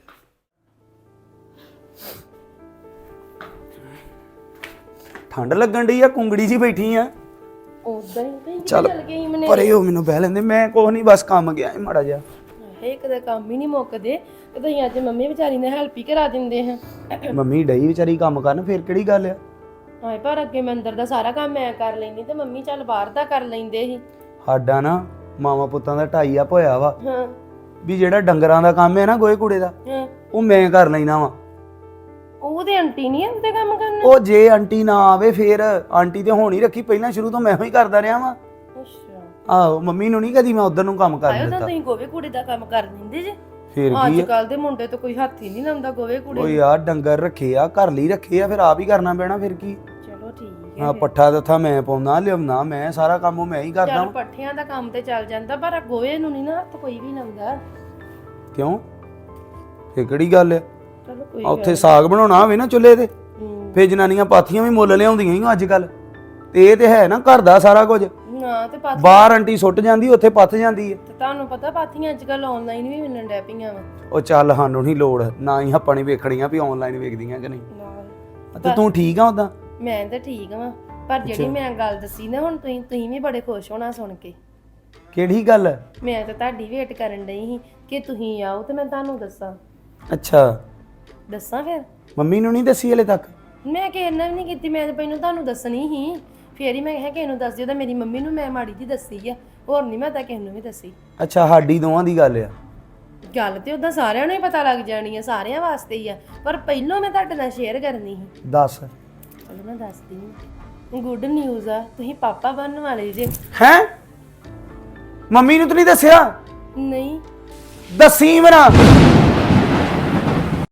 Speaker 1: ਠੰਡ ਲੱਗਣ ਡਈ ਆ, ਕੁੰਗੜੀ ਜੀ ਬੈਠੀ ਆ।
Speaker 2: ਉਦਾਂ ਹੀ
Speaker 1: ਚੱਲ
Speaker 2: ਗਈ ਮਨੇ।
Speaker 1: ਪਰੇ ਹੋ, ਮੈਨੂੰ ਬਹਿ ਲੈਂਦੇ, ਮੈਂ ਕੁਛ ਨਹੀਂ, ਬਸ ਕੰਮ ਗਿਆ ਸੀ ਮਾੜਾ ਜਿਹਾ।
Speaker 2: ਇੱਕ ਦਾ ਕੰਮ ਹੀ ਨਹੀਂ ਮੁੱਕਦੇ, ਤੇ ਤੁਸੀਂ ਅੱਜ ਮੰਮੀ ਵਿਚਾਰੀ ਨੇ ਹੈਲਪ ਹੀ ਕਰਾ ਦਿੰਦੇ ਹਾਂ।
Speaker 1: ਮੰਮੀ ਡਈ ਵਿਚਾਰੀ ਕੰਮ ਕਰਨ, ਫਿਰ ਕਿਹੜੀ ਗੱਲ ਆ?
Speaker 2: ਹਾਏ ਪਰ ਅੱਗੇ ਮੈਂ ਅੰਦਰ ਦਾ ਸਾਰਾ ਕੰਮ ਮੈਂ ਕਰ ਲੈਂਦੀ, ਤੇ ਮੰਮੀ ਚੱਲ ਬਾਹਰ ਦਾ ਕਰ ਲੈਂਦੇ ਸੀ।
Speaker 1: ਸਾਡਾ ਨਾ ਮਾਵਾਂ ਪੁੱਤਾਂ ਦਾ ਢਾਈ ਆ ਹੋਇਆ ਵਾ
Speaker 2: ਹਾਂ
Speaker 1: ਵੀ ਜਿਹੜਾ ਡੰਗਰਾਂ ਦਾ ਕੰਮ ਹੈ ਨਾ, ਗੋਹੇ ਕੂੜੇ ਦਾ,
Speaker 2: ਹਾਂ।
Speaker 1: ਉਹ ਮੈਂ ਕਰ ਲੈਣਾ ਵਾ।
Speaker 2: ਉਹਦੇ ਆਂਟੀ ਨਹੀਂ ਆਉਂਦੇ ਕੰਮ ਕਰਨ?
Speaker 1: ਉਹ ਜੇ ਆਂਟੀ ਨਾ ਆਵੇ ਫੇਰ, ਆਂਟੀ ਤੇ ਹੋਣੀ ਰੱਖੀ, ਪਹਿਲਾਂ ਸ਼ੁਰੂ ਤੋਂ ਮੈਂ ਹੀ ਕਰਦਾ ਰਿਹਾ ਵਾਂ।
Speaker 2: ਅੱਛਾ।
Speaker 1: ਆਹੋ ਮੰਮੀ ਨੂੰ ਨਹੀਂ ਕਦੀ ਮੈਂ ਉਧਰ ਨੂੰ ਕੰਮ ਕਰ
Speaker 2: ਆਇਓ ਤਾਂ
Speaker 1: ਦਿੱਤਾ।
Speaker 2: ਤੁਸੀਂ ਗੋਵੇ ਕੂੜੇ ਦਾ ਕੰਮ ਕਰ ਦਿੰਦੇ ਜੇ।
Speaker 1: ਫੇਰ
Speaker 2: ਅੱਜ
Speaker 1: ਕੀ ਆ?
Speaker 2: ਕੱਲ ਦੇ ਮੁੰਡੇ ਤਾਂ ਕੋਈ ਹੱਥ ਹੀ ਨਹੀਂ ਲਾਉਂਦਾ ਗੋਵੇ ਕੂੜੇ
Speaker 1: ਉਹ
Speaker 2: ਨੂੰ।
Speaker 1: ਯਾਰ ਡੰਗਰ ਰੱਖੇ ਆ, ਘਰ ਲਈ ਰੱਖੇ ਆ, ਫਿਰ ਆਪ ਹੀ ਕਰਨਾ ਪੈਣਾ, ਫਿਰ ਕੀ।
Speaker 2: ਚਲੋ ਠੀਕ ਹੈ।
Speaker 1: ਹਾਂ, ਪੱਠਾ ਦੱਥਾ ਮੈਂ ਪਾਉਣਾ, ਲਿਆਉਣਾ ਮੈਂ, ਸਾਰਾ ਕੰਮ ਮੈਂ ਹੀ ਕਰਦਾ
Speaker 2: ਚੱਲ
Speaker 1: ਵਾਂ।
Speaker 2: ਪੱਠਿਆਂ ਦਾ ਕੰਮ ਤੇ ਚੱਲ ਜਾਂਦਾ, ਪਰ ਗੋਵੇ ਨੂੰ ਨਹੀਂ ਨਾ ਹੱਥ ਕੋਈ ਵੀ ਲਾਉਂਦਾ।
Speaker 1: ਕਿਉਂ? ਫੇਰ ਕਿਹੜੀ ਗੱਲ ਆ?
Speaker 2: ਚਲੋ ਕੋਈ
Speaker 1: ਉੱਥੇ ਸਾਗ ਬਣਾਉਣਾ ਹੋਵੇ ਨਾ ਚੁੱਲ੍ਹੇ ਤੇ, ਫੇਰ ਜਨਾਨੀਆਂ ਪਾਥੀਆਂ ਵੀ ਮੁੱਲ ਲਿਆਉਂਦੀਆਂ ਹੀ ਅੱਜ ਕੱਲ। ਤੇ ਇਹ ਤੇ ਹੈ ਨਾ ਘਰ ਦਾ ਸਾਰਾ ਕੁਝ।
Speaker 2: ਨਾ ਤੇ ਪਾਥੀਆਂ
Speaker 1: ਬਾਹਰ ਆਂਟੀ ਸੁੱਟ ਜਾਂਦੀ, ਉੱਥੇ ਪੱਥ ਜਾਂਦੀ ਹੈ।
Speaker 2: ਤੇ ਤੁਹਾਨੂੰ ਪਤਾ ਪਾਥੀਆਂ ਅੱਜ ਕੱਲ ਆਨਲਾਈਨ ਵੀ ਮਿਲਣ ਡੈ ਪਈਆਂ ਵਾ।
Speaker 1: ਉਹ ਚੱਲ ਸਾਨੂੰ ਨਹੀਂ ਲੋੜ, ਨਾ ਹੀ ਆਪਾਂ ਨੇ ਵੇਖਣੀਆਂ ਵੀ ਆਨਲਾਈਨ ਵੇਖਦੀਆਂ ਕਿ ਨਹੀਂ।
Speaker 2: ਨਾਲ
Speaker 1: ਤੇ ਤੂੰ ਠੀਕ ਆ ਉਦਾਂ?
Speaker 2: ਮੈਂ ਤਾਂ ਠੀਕ ਵਾਂ, ਪਰ ਜਿਹੜੀ ਮੈਂ ਗੱਲ ਦੱਸੀ ਨਾ ਹੁਣ, ਤੁਸੀਂ ਵੀ ਬੜੇ ਖੁਸ਼ ਹੋਣਾ ਸੁਣ ਕੇ।
Speaker 1: ਕਿਹੜੀ ਗੱਲ?
Speaker 2: ਮੈਂ ਤਾਂ ਤੁਹਾਡੀ ਵੇਟ ਕਰਨ ਡਈ ਸੀ ਕਿ ਤੁਸੀਂ ਆਓ ਤੇ ਮੈਂ ਤੁਹਾਨੂੰ ਦੱਸਾਂ।
Speaker 1: ਅੱਛਾ,
Speaker 2: ਦੱਸਾਂ ਫਿਰ?
Speaker 1: ਮੰਮੀ ਨੂੰ ਨਹੀਂ ਦੱਸੀ ਹਲੇ ਤੱਕ?
Speaker 2: ਮੈਂ ਕਿਸੇ ਨਾਲ ਵੀ ਨਹੀਂ ਕੀਤੀ, ਮੈਂ ਤਾਂ ਪਹਿਲਾਂ ਤੁਹਾਨੂੰ ਦੱਸਣੀ ਸੀ, ਫੇਰ ਹੀ ਮੈਂ ਕਿਹਾ ਕਿਸੇ ਨੂੰ ਦੱਸ ਦਿਓ। ਤਾਂ ਮੇਰੀ ਮੰਮੀ ਨੂੰ ਮੈਂ ਮਾੜੀ ਜੀ ਦੱਸੀ ਆ, ਹੋਰ ਨਹੀਂ ਮੈਂ ਤਾਂ ਕਿਸੇ ਨੂੰ ਵੀ ਦੱਸੀ।
Speaker 1: ਅੱਛਾ ਸਾਡੀ ਦੋਵਾਂ ਦੀ ਗੱਲ ਆ।
Speaker 2: ਗੱਲ ਤੇ ਉਦਾਂ ਸਾਰਿਆਂ ਨੂੰ ਹੀ ਪਤਾ ਲੱਗ ਜਾਣੀ ਆ, ਸਾਰਿਆਂ ਵਾਸਤੇ ਹੀ ਆ, ਪਰ ਪਹਿਲਾਂ ਮੈਂ ਤੁਹਾਡੇ ਨਾਲ ਸ਼ੇਅਰ ਕਰਨੀ ਸੀ।
Speaker 1: ਦੱਸ।
Speaker 2: ਚਲੋ ਮੈਂ ਦੱਸਦੀ ਹਾਂ। ਗੁੱਡ ਨਿਊਜ਼ ਆ, ਤੁਸੀਂ ਪਾਪਾ ਬਣਨ ਵਾਲੇ ਜੇ।
Speaker 1: ਹੈ ਮੰਮੀ ਨੂੰ ਤਾਂ ਨਹੀਂ ਦੱਸਿਆ?
Speaker 2: ਨਹੀਂ
Speaker 1: ਦੱਸੀ ਮਰਾ